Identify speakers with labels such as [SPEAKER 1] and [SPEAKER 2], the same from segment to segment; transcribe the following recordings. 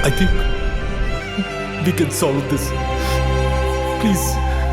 [SPEAKER 1] I think we can solve this. Please.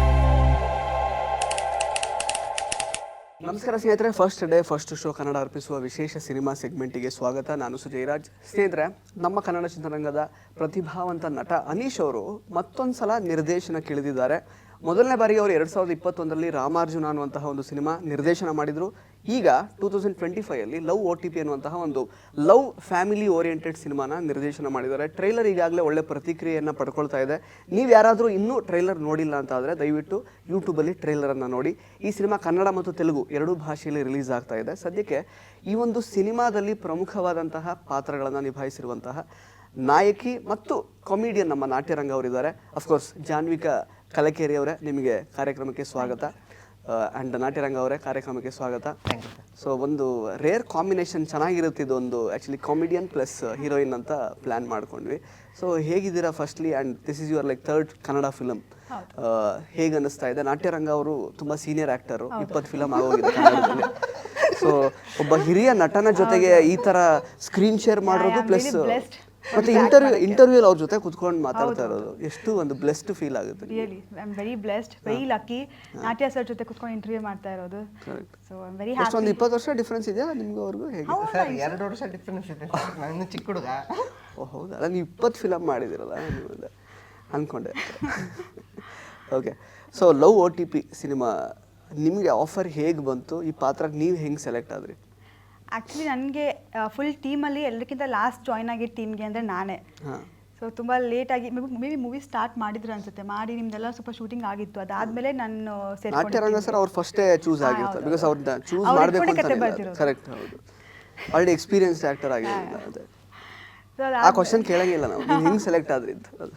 [SPEAKER 2] ನಮಸ್ಕಾರ ಸ್ನೇಹಿತರೆ, first day first show Kannada ಅರ್ಪಿಸುವ ವಿಶೇಷ ಸಿನಿಮಾ ಸೆಗ್ಮೆಂಟಿಗೆ ಸ್ವಾಗತ. ನಾನು ಸುಜಯರಾಜ್. ಸ್ನೇಹಿತರೆ, ನಮ್ಮ ಕನ್ನಡ ಚಿತ್ರರಂಗದ ಪ್ರತಿಭಾವಂತ ನಟ ಅನೀಶ್ ಅವರು ಮತ್ತೊಂದು ಸಲ ನಿರ್ದೇಶನಕ್ಕೆ ಇಳಿದಿದ್ದಾರೆ. ಮೊದಲನೇ ಬಾರಿಗೆ ಅವರು 2021ರಲ್ಲಿ ರಾಮಾರ್ಜುನ ಅನ್ನುವಂತಹ ಒಂದು ಸಿನಿಮಾ ನಿರ್ದೇಶನ ಮಾಡಿದರು. ಈಗ 2025ಅಲ್ಲಿ ಲವ್ OTP ಅನ್ನುವಂತಹ ಒಂದು ಲವ್ ಫ್ಯಾಮಿಲಿ ಓರಿಯೆಂಟೆಡ್ ಸಿನಿಮಾನ ನಿರ್ದೇಶನ ಮಾಡಿದ್ದಾರೆ. ಟ್ರೈಲರ್ ಈಗಾಗಲೇ ಒಳ್ಳೆ ಪ್ರತಿಕ್ರಿಯೆಯನ್ನು ಪಡ್ಕೊಳ್ತಾ ಇದೆ. ನೀವು ಯಾರಾದರೂ ಇನ್ನೂ ಟ್ರೈಲರ್ ನೋಡಿಲ್ಲ ಅಂತ ಆದರೆ ದಯವಿಟ್ಟು ಯೂಟ್ಯೂಬಲ್ಲಿ ಟ್ರೈಲರನ್ನು ನೋಡಿ. ಈ ಸಿನಿಮಾ ಕನ್ನಡ ಮತ್ತು ತೆಲುಗು ಎರಡೂ ಭಾಷೆಯಲ್ಲಿ ರಿಲೀಸ್ ಆಗ್ತಾ ಇದೆ. ಸದ್ಯಕ್ಕೆ ಈ ಒಂದು ಸಿನಿಮಾದಲ್ಲಿ ಪ್ರಮುಖವಾದಂತಹ ಪಾತ್ರಗಳನ್ನು ನಿಭಾಯಿಸಿರುವಂತಹ ನಾಯಕಿ ಮತ್ತು ಕಾಮಿಡಿಯನ್ ನಮ್ಮ ನಾಟ್ಯರಂಗ ಅವರಿದ್ದಾರೆ. ಅಫ್ಕೋರ್ಸ್ ಜಾನ್ವಿಕಾ ಕಲಕೇರಿ ಅವರೇ, ನಿಮಗೆ ಕಾರ್ಯಕ್ರಮಕ್ಕೆ ಸ್ವಾಗತ. ಆ್ಯಂಡ್ ನಾಟ್ಯರಂಗ ಅವರೇ, ಕಾರ್ಯಕ್ರಮಕ್ಕೆ ಸ್ವಾಗತ. ಸೊ ಒಂದು ರೇರ್ ಕಾಂಬಿನೇಷನ್, ಚೆನ್ನಾಗಿರುತ್ತೆ ಇದು. ಒಂದು ಆ್ಯಕ್ಚುಲಿ ಕಾಮಿಡಿಯನ್ ಪ್ಲಸ್ ಹೀರೋಯಿನ್ ಅಂತ ಪ್ಲ್ಯಾನ್ ಮಾಡ್ಕೊಂಡ್ವಿ. ಸೊ ಹೇಗಿದ್ದೀರಾ firstly? And this is your like third Kannada film. ಹೇಗೆ ಅನ್ನಿಸ್ತಾ ಇದೆ? ನಾಟ್ಯರಂಗ ಅವರು ತುಂಬ ಸೀನಿಯರ್ ಆ್ಯಕ್ಟರು, 20 ಫಿಲಮ್ ಆಗೋಗಿದೆ ಕನ್ನಡದಲ್ಲಿ. ಸೊ ಒಬ್ಬ ಹಿರಿಯ ನಟನ ಜೊತೆಗೆ ಈ ಥರ ಸ್ಕ್ರೀನ್ ಶೇರ್ ಮಾಡೋದು ಪ್ಲಸ್ ಮತ್ತೆ ಇಂಟರ್ವ್ಯೂ ಅವ್ರ ಜೊತೆ ಕುತ್ಕೊಂಡು ಮಾತಾಡ್ತಾ ಇರೋದು ಎಷ್ಟು ಒಂದು ಬ್ಲೆಸ್ಡ್ ಫೀಲ್ ಆಗುತ್ತೆ.
[SPEAKER 3] Really I am very blessed, very lucky. Natya sir ಜೊತೆ ಕುತ್ಕೊಂಡು ಇಂಟರ್ವ್ಯೂ ಮಾಡ್ತಾ ಇರೋದು. So I am very happy.
[SPEAKER 2] ಒಂದು 20 ವರ್ಷ ಡಿಫರೆನ್ಸ್ ಇದೆಯಾ ನಿಮ್ಗೆ ಅವ್ರಿಗೂ? ಹೇಗೆ
[SPEAKER 4] ಸರ್ 2 ವರ್ಷ ಡಿಫರೆನ್ಸ್ ಇದೆ. ನಾನು ಚಿಕ್ಕ ಹುಡುಗ.
[SPEAKER 2] ಓ ಹೌದಾ? ಅಲ್ಲ, ನೀವು 20 ಫಿಲಮ್ ಮಾಡಿದಿರಲ್ಲ, ನೀವು ಅಂದ್ಕೊಂಡೆ. Okay, so love OTP cinema ನಿಮಗೆ ಆಫರ್ ಹೇಗೆ ಬಂತು? ಈ ಪಾತ್ರಕ್ಕೆ ನೀವು ಹೆಂಗೆ ಸೆಲೆಕ್ಟ್ ಆದ್ರಿ?
[SPEAKER 3] ಆ್ಯಕ್ಚುಲಿ ನನಗೆ ಫುಲ್ ಟೀಮಲ್ಲಿ ಎಲ್ಲಕ್ಕಿಂತ ಲಾಸ್ಟ್ ಜಾಯ್ನ್ ಆಗಿದ್ದ ಟೀಮ್ಗೆ ಅಂದರೆ ನಾನೇ. ಸೊ ತುಂಬ ಲೇಟಾಗಿ ಮೇ ಬಿ ಮೂವಿ ಸ್ಟಾರ್ಟ್ ಮಾಡಿದ್ರು ಅನ್ಸುತ್ತೆ. ಮಾಡಿ ನಿಮ್ದೆಲ್ಲ ಸ್ವಲ್ಪ ಶೂಟಿಂಗ್ ಆಗಿತ್ತು. ಅದಾದಮೇಲೆ ನಾನು
[SPEAKER 2] ನಾಟ್ಯರಂಗ ಸರ್ ಅವ್ರು ಫಸ್ಟೇ ಚೂಸ್ ಆಗಿರ್ತಾರೆ, ಬಿಕಾಸ್ ಅವ್ರನ್ನ ಚೂಸ್ ಮಾಡಬೇಕು ಅಂತ. ಕರೆಕ್ಟ್, ಹೌದು. ಆಲ್ರೆಡಿ ಎಕ್ಸ್ಪೀರಿಯನ್ಸ್ಡ್ ಆ್ಯಕ್ಟರ್ ಆಗಿರೋದು. ಅದೇ ಆ ಕ್ವಶನ್ ಕೇಳಂಗಿಲ್ಲ ನಾವು, ನೀವು ಹೆಂಗೆ ಸೆಲೆಕ್ಟ್ ಆದ್ರಿ ಅಂತ. ಅದು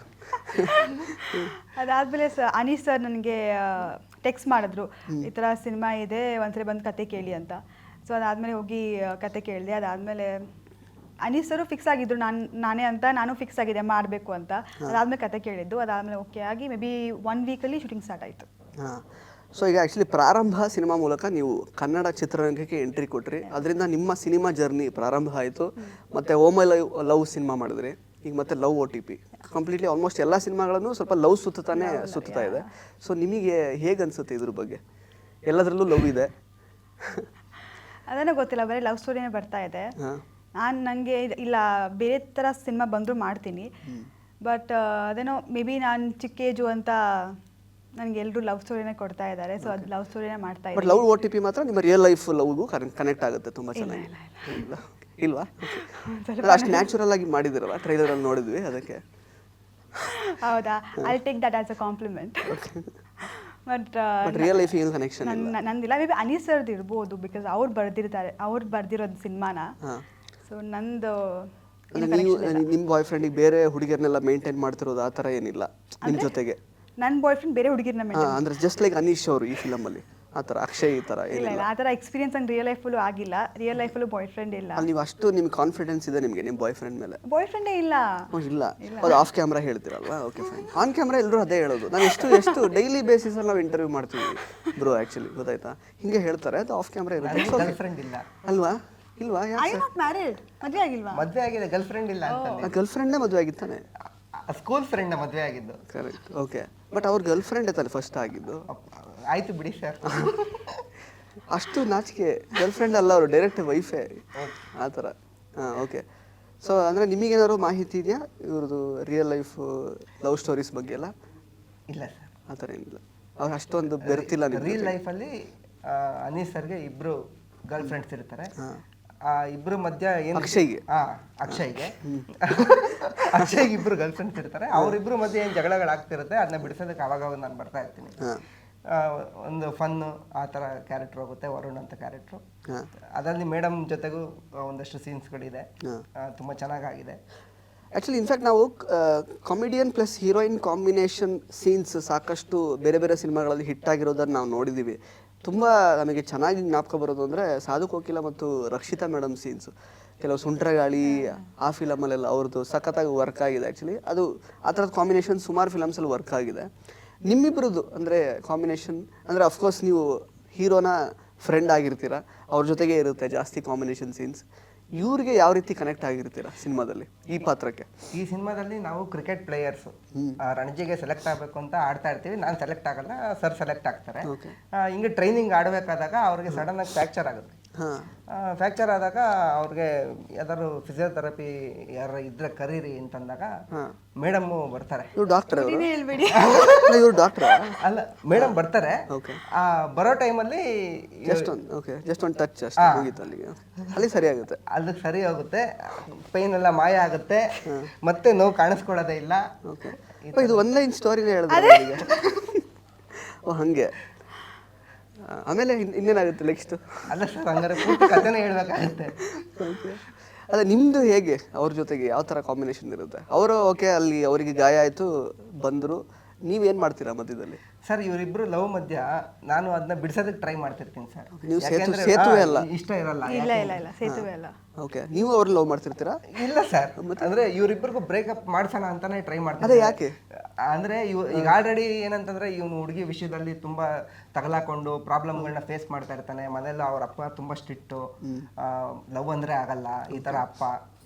[SPEAKER 3] ಅದಾದಮೇಲೆ ಅನೀಶ್ ಸರ್ ನನಗೆ ಟೆಕ್ಸ್ಟ್ ಮಾಡಿದ್ರು, ಈ ಥರ ಸಿನಿಮಾ ಇದೆ, ಒಂದ್ಸರಿ ಬಂದು ಕತೆ ಕೇಳಿ ಅಂತ. ಸೊ ಅದಾದಮೇಲೆ ಹೋಗಿ ಕತೆ ಕೇಳಿದೆ. ಅದಾದಮೇಲೆ ಅನೀಶ್ ಸರು ಫಿಕ್ಸ್ ಆಗಿದ್ರು ನಾನೇ ಅಂತ, ನಾನು ಫಿಕ್ಸ್ ಆಗಿದೆ ಮಾಡಬೇಕು ಅಂತ. ಅದಾದಮೇಲೆ ಕತೆ ಕೇಳಿದ್ದು. ಅದಾದಮೇಲೆ ಓಕೆ ಆಗಿ ಮೇ ಬಿ 1 ವೀಕಲ್ಲಿ ಶೂಟಿಂಗ್ ಸ್ಟಾರ್ಟ್ ಆಯಿತು.
[SPEAKER 2] ಹಾಂ, ಸೊ ಈಗ ಆ್ಯಕ್ಚುಲಿ ಪ್ರಾರಂಭ ಸಿನಿಮಾ ಮೂಲಕ ನೀವು ಕನ್ನಡ ಚಿತ್ರರಂಗಕ್ಕೆ ಎಂಟ್ರಿ ಕೊಟ್ರಿ. ಅದರಿಂದ ನಿಮ್ಮ ಸಿನಿಮಾ ಜರ್ನಿ ಪ್ರಾರಂಭ ಆಯಿತು. ಮತ್ತು ಓ ಮೈ ಲವ್ ಸಿನಿಮಾ ಮಾಡಿದ್ರಿ. ಈಗ ಮತ್ತೆ ಲವ್ OTP ಕಂಪ್ಲೀಟ್ಲಿ ಆಲ್ಮೋಸ್ಟ್ ಎಲ್ಲ ಸಿನಿಮಾಗಳನ್ನು ಸ್ವಲ್ಪ ಲವ್ ಸುತ್ತಾ ಇದೆ. ಸೊ ನಿಮಗೆ ಹೇಗೆ ಅನಿಸುತ್ತೆ ಇದ್ರ ಬಗ್ಗೆ? ಎಲ್ಲದರಲ್ಲೂ ಲವ್ ಇದೆ.
[SPEAKER 3] ಅದನ್ನೇ ಗೊತ್ತಿಲ್ಲ, ಬರೀ ಲವ್ ಸ್ಟೋರಿನೇ ಬರ್ತಾ ಇದೆ. ನನಗೆ ಇಲ್ಲ, ಬೇರೆ ಥರ ಸಿನಿಮಾ ಬಂದರೂ ಮಾಡ್ತೀನಿ. ಬಟ್ ಅದೇನೋ ಮೇ ಬಿ ನಾನು ಚಿಕ್ಕ ಏಜು ಅಂತ ನನಗೆ ಎಲ್ಲರೂ ಲವ್ ಸ್ಟೋರಿನೇ ಕೊಡ್ತಾ ಇದ್ದಾರೆ. ಸೊ ಅದು ಲವ್ ಸ್ಟೋರಿನೇ ಮಾಡ್ತಾ ಇದ್ದೀನಿ.
[SPEAKER 2] ಬಟ್ ಲವ್ OTP ಮಾತ್ರ ನಿಮ್ಮ ರಿಯಲ್ ಲೈಫ್ ಲವ್ಗೂ ಕನೆಕ್ಟ್ ಆಗುತ್ತೆ ತುಂಬ ಚೆನ್ನಾಗಿ, ಇಲ್ವಾ? ಅಷ್ಟು ನ್ಯಾಚುರಲ್ ಆಗಿ ಮಾಡಿದಿರಲ್ಲ, ಟ್ರೈಲರಲ್ಲಿ ನೋಡಿದ್ವಿ, ಅದಕ್ಕೆ.
[SPEAKER 3] ಹೌದಾ? I take that as a compliment. But
[SPEAKER 2] real life ಏನು ಕನೆಕ್ಷನ್
[SPEAKER 3] ನಂದಿಲ್ಲ. ಮೇ ಬಿ ಅನೀಶ್ ಸರ್ದು ಇರ್ಬೋದು, ಬಿಕಾಸ್ ಅವ್ರು ಬರ್ದಿರೋದು ಸಿನಿಮಾನ. ಸೊ ನಂದು
[SPEAKER 2] ನಿಮ್ಮ ಬಾಯ್ ಫ್ರೆಂಡಿಗೆ ಬೇರೆ ಹುಡುಗಿಯರ್ನೆಲ್ಲ ಮೇಂಟೈನ್ ಮಾಡ್ತಿರೋದು ಆ ಥರ ಏನಿಲ್ಲ ನಿಮ್ಮ ಜೊತೆಗೆ?
[SPEAKER 3] ನನ್ನ ಬಾಯ್ ಫ್ರೆಂಡ್ ಬೇರೆ ಹುಡುಗಿರ್ನ
[SPEAKER 2] ಅಂದ್ರೆ ಜಸ್ಟ್ ಲೈಕ್ ಅನೀಶ್ ಅವರು ಈ ಫಿಲಮಲ್ಲಿ ಆ ಥರ, ಅಕ್ಷಯ್ ಈ ಥರ
[SPEAKER 3] ಇಲ್ಲ, ಆ ಥರ ಎಕ್ಸ್ಪೀರಿಯನ್ಸ್ ನಂಗೆ ರಿಯಲ್ ಲೈಫಲ್ಲೂ ಆಗಿಲ್ಲ. ರಿಯಲ್ ಲೈಫಲ್ಲೂ ಬಾಯ್ ಫ್ರೆಂಡ್ ಇಲ್ಲ.
[SPEAKER 2] ನೀವು ಅಷ್ಟು ನಿಮ್ಗೆ ಕಾನ್ಫಿಡೆನ್ಸ್ ಇದೆ ನಿಮಗೆ ನಿಮ್ಮ ಬಾಯ್ ಫ್ರೆಂಡ್ ಮೇಲೆ?
[SPEAKER 3] ಬಾಯ್ ಫ್ರೆಂಡೇ ಇಲ್ಲ.
[SPEAKER 2] ಇಲ್ಲ, ಅದು ಆಫ್ ಕ್ಯಾಮ್ರಾ ಹೇಳ್ತಿರಲ್ವಾ? Okay fine. ಆನ್ ಕ್ಯಾಮ್ರಾ ಎಲ್ಲರೂ ಅದೇ ಹೇಳೋದು. ನಾವು ಎಷ್ಟು ಡೈಲಿ ಬೇಸಿಸಲ್ಲಿ ನಾವು ಇಂಟರ್ವ್ಯೂ ಮಾಡ್ತೀವಿ ಬ್ರೋ, ಆ್ಯಕ್ಚುಲಿ ಗೊತ್ತಾಯ್ತಾ? ಹಿಂಗೆ ಹೇಳ್ತಾರೆ, ಅದು ಆಫ್ ಕ್ಯಾಮ್ರಾ ಇರುತ್ತೆ.
[SPEAKER 4] ಗರ್ಲ್ ಫ್ರೆಂಡ್ ಇಲ್ಲ
[SPEAKER 2] ಅಲ್ವಾ? ಇಲ್ವಾ?
[SPEAKER 3] I am not married. ಮದುವೆ ಆಗಿಲ್ವಾ?
[SPEAKER 4] ಮದುವೆ ಆಗಿದೆ, ಗರ್ಲ್ ಫ್ರೆಂಡ್ ಇಲ್ಲ ಅಂತ.
[SPEAKER 2] ಗರ್ಲ್ ಫ್ರೆಂಡೇ ಮದುವೆ ಆಗಿತ್ತಾನೆ?
[SPEAKER 4] ಸ್ಕೂಲ್ ಫ್ರೆಂಡ್ ಮದುವೆ ಆಗಿದ್ದು.
[SPEAKER 2] Correct, okay. ಬಟ್ ಅವ್ರ ಗರ್ಲ್ ಫ್ರೆಂಡ್ ತಾನೆ ಫಸ್ಟ್ ಆಗಿದ್ದು?
[SPEAKER 4] ಆಯ್ತು ಬಿಡಿ ಸರ್.
[SPEAKER 2] ಅಷ್ಟು ನಾಚಿಕೆ. ಗರ್ಲ್ ಫ್ರೆಂಡ್ ಅಲ್ಲ, ಅವರು ಡೈರೆಕ್ಟ್ ವೈಫೇ ಆ ಥರ. ಹಾಂ, ಓಕೆ. ಸೊ ಅಂದರೆ ನಿಮಗೇನಾದ್ರು ಮಾಹಿತಿ ಇದೆಯಾ ಇವ್ರದ್ದು ರಿಯಲ್ ಲೈಫ್ ಲವ್ ಸ್ಟೋರೀಸ್ ಬಗ್ಗೆ ಎಲ್ಲ?
[SPEAKER 4] ಇಲ್ಲ ಸರ್,
[SPEAKER 2] ಆ ಥರ ಏನಿಲ್ಲ. ಅವ್ರು ಅಷ್ಟೊಂದು ಬೆರ್ತಿಲ್ಲ.
[SPEAKER 4] ರಿಯಲ್ ಲೈಫಲ್ಲಿ ಅನೀಶ್ ಸರ್ಗೆ 2 ಗರ್ಲ್ ಫ್ರೆಂಡ್ಸ್ ಇರ್ತಾರೆ. ಆ 2 ಮಧ್ಯ ಏನು
[SPEAKER 2] ಅಕ್ಷಯ್ಗೆ
[SPEAKER 4] 2 ಗರ್ಲ್ ಫ್ರೆಂಡ್ಸ್ ಇರ್ತಾರೆ. ಅವ್ರಿಬ್ರು ಮಧ್ಯೆ ಏನು ಜಗಳಗಳಾಗ್ತಿರುತ್ತೆ, ಅದನ್ನ ಬಿಡಿಸೋದಕ್ಕೆ ಅವಾಗ ನಾನು ಬರ್ತಾ ಇರ್ತೀನಿ. ಒಂದು ಫನ್ನು ಆ ಥರ ಕ್ಯಾರೆಕ್ಟರ್ ಹೋಗುತ್ತೆ, ವರುಣ್ ಅಂತ ಕ್ಯಾರೆಕ್ಟ್ರು. ಅದರಲ್ಲಿ ಮೇಡಮ್ ಜೊತೆಗೂ ಒಂದಷ್ಟು ಸೀನ್ಸ್ಗಳಿದೆ, ತುಂಬ ಚೆನ್ನಾಗಾಗಿದೆ.
[SPEAKER 2] ಆ್ಯಕ್ಚುಲಿ ಇನ್ಫ್ಯಾಕ್ಟ್ ನಾವು comedian plus heroine combination scenes ಸಾಕಷ್ಟು ಬೇರೆ ಬೇರೆ ಸಿನಿಮಾಗಳಲ್ಲಿ ಹಿಟ್ ಆಗಿರೋದನ್ನು ನಾವು ನೋಡಿದ್ದೀವಿ. ತುಂಬ ನಮಗೆ ಚೆನ್ನಾಗಿ ಜ್ಞಾಪಕ ಬರೋದು ಅಂದರೆ ಸಾಧು ಕೋಕಿಲ ಮತ್ತು ರಕ್ಷಿತಾ ಮೇಡಮ್ ಸೀನ್ಸು. ಕೆಲವು ಸುಂಟ್ರಗಾಳಿ ಆ ಫಿಲಮಲ್ಲೆಲ್ಲ ಅವ್ರದ್ದು ಸಖತ್ತಾಗಿ ವರ್ಕ್ ಆಗಿದೆ. ಆ್ಯಕ್ಚುಲಿ ಅದು ಆ ಥರದ ಕಾಂಬಿನೇಷನ್ ಸುಮಾರು ಫಿಲಮ್ಸಲ್ಲಿ ವರ್ಕ್ ಆಗಿದೆ. ನಿಮ್ಮಿಬ್ಬರದ್ದು ಅಂದರೆ ಕಾಂಬಿನೇಷನ್ ಅಂದರೆ ಅಫ್ಕೋರ್ಸ್ ನೀವು ಹೀರೋನ ಫ್ರೆಂಡ್ ಆಗಿರ್ತೀರ, ಅವ್ರ ಜೊತೆಗೆ ಇರುತ್ತೆ ಜಾಸ್ತಿ ಕಾಂಬಿನೇಷನ್ ಸೀನ್ಸ್. ಇವ್ರಿಗೆ ಯಾವ ರೀತಿ ಕನೆಕ್ಟ್ ಆಗಿರ್ತೀರಾ ಸಿನಿಮಾದಲ್ಲಿ ಈ ಪಾತ್ರಕ್ಕೆ?
[SPEAKER 4] ಈ ಸಿನಿಮಾದಲ್ಲಿ ನಾವು ಕ್ರಿಕೆಟ್ ಪ್ಲೇಯರ್ಸ್ ರಣಜಿಗೆ ಸೆಲೆಕ್ಟ್ ಆಗಬೇಕು ಅಂತ ಆಡ್ತಾ ಇರ್ತೀವಿ. ನಾನು ಸೆಲೆಕ್ಟ್ ಆಗಲ್ಲ, ಸರ್ ಸೆಲೆಕ್ಟ್ ಆಗ್ತಾರೆ. ಹಿಂಗೆ ಟ್ರೈನಿಂಗ್ ಆಡಬೇಕಾದಾಗ ಅವ್ರಿಗೆ ಸಡನ್ ಆಗಿ ಫ್ರ್ಯಾಕ್ಚರ್ ಆಗುತ್ತೆ. ಫ್ರ್ಯಾಕ್ಚರ್ ಆದಾಗ ಅವ್ರಿಗೆ ಯಾವ್ದಾದ್ರು ಫಿಸಿಯೋಥೆರಪಿ ಯಾರು ಇದ್ರೆ ಕರೀರಿ ಅಂತಂದಾಗ ಮೇಡಮ್ ಬರ್ತಾರೆ.
[SPEAKER 2] ಇವ್ರು ಡಾಕ್ಟರ್
[SPEAKER 3] ಹೇಳ್ಬೇಡಿ.
[SPEAKER 2] ಇವ್ರು ಡಾಕ್ಟರ್
[SPEAKER 4] ಅಲ್ಲ, ಮೇಡಮ್ ಬರ್ತಾರೆ. ಬರೋ ಟೈಮಲ್ಲಿ
[SPEAKER 2] ಜಸ್ಟ್ ಒಂದು ಟಚ್ ಅಷ್ಟೇ ಮುಗೀತು, ಅಲ್ಲಿ ಸರಿ ಆಗುತ್ತೆ.
[SPEAKER 4] ಅದಕ್ಕೆ ಸರಿ ಹೋಗುತ್ತೆ, ಪೈನ್ ಎಲ್ಲ ಮಾಯ ಆಗುತ್ತೆ, ಮತ್ತೆ ನೋವು ಕಾಣಿಸ್ಕೊಳ್ಳೋದೇ ಇಲ್ಲ.
[SPEAKER 2] ಇದು ಒನ್ಲೈನ್ ಸ್ಟೋರಿನೇ ಹೇಳಿದ್ರೆ ಓ ಹಂಗೆ. ಆಮೇಲೆ ಇನ್ನೇನಾಗುತ್ತೆ ನೆಕ್ಸ್ಟ್?
[SPEAKER 4] ಅಲ್ಲ ಸರ್, ಹಂಗಾರೆ ಪೂರ್ತಿ ಕಥೆನೇ ಹೇಳ್ಬೇಕಾಗುತ್ತೆ.
[SPEAKER 2] ಅಲ್ಲ ನಿಮ್ದು ಹೇಗೆ ಅವ್ರ ಜೊತೆಗೆ ಯಾವ ಥರ ಕಾಂಬಿನೇಷನ್ ಇರುತ್ತೆ? ಅವರು ಓಕೆ ಅಲ್ಲಿ ಅವರಿಗೆ ಗಾಯ ಆಯಿತು ಬಂದರು, ನೀವೇನು ಮಾಡ್ತೀರಾ ಮಧ್ಯದಲ್ಲಿ?
[SPEAKER 4] ಸರ್ ಇವರಿಬ್ರು ಲವ್ ಮಧ್ಯ ನಾನು ಅದನ್ನ ಬಿಡಿಸೋದಕ್ಕೆ ಟ್ರೈ ಮಾಡ್ತಿರ್ತೀನಿ ಸರ್.
[SPEAKER 2] ನೀವು ಸೇತುವೆ ಅಲ್ಲ?
[SPEAKER 4] ಇಷ್ಟ ಇರಲ್ಲ.
[SPEAKER 3] ಇಲ್ಲ ಸೇತುವೆ ಅಲ್ಲ.
[SPEAKER 2] ಓಕೆ, ನೀವು ಅವ್ರು ಲವ್ ಮಾಡ್ತಿರ್ತೀರಾ?
[SPEAKER 4] ಇಲ್ಲ ಸರ್, ಅಂದ್ರೆ ಇವರಿಬ್ಬರಿಗೂ ಬ್ರೇಕಪ್ ಮಾಡ್ಸೋಣ ಅಂತಾನೆ ಟ್ರೈ ಮಾಡ್ತಾರೆ.
[SPEAKER 2] ಅದೇ ಯಾಕೆ
[SPEAKER 4] ಅಂದ್ರೆ ಈಗ ಆಲ್ರೆಡಿ ಏನಂತಂದ್ರೆ ಇವನು ಹುಡುಗಿ ವಿಷಯದಲ್ಲಿ ತುಂಬಾ ತಗಲಾಕೊಂಡು ಪ್ರಾಬ್ಲಮ್ಗಳನ್ನ ಫೇಸ್ ಮಾಡ್ತಾ ಇರ್ತಾನೆ. ಮನೇಲಿ ಅವ್ರ ಅಪ್ಪ ತುಂಬಾ ಸ್ಟ್ರಿಕ್ಟು, ಲವ್ ಅಂದ್ರೆ ಆಗಲ್ಲ ಈ ತರ ಅಪ್ಪ.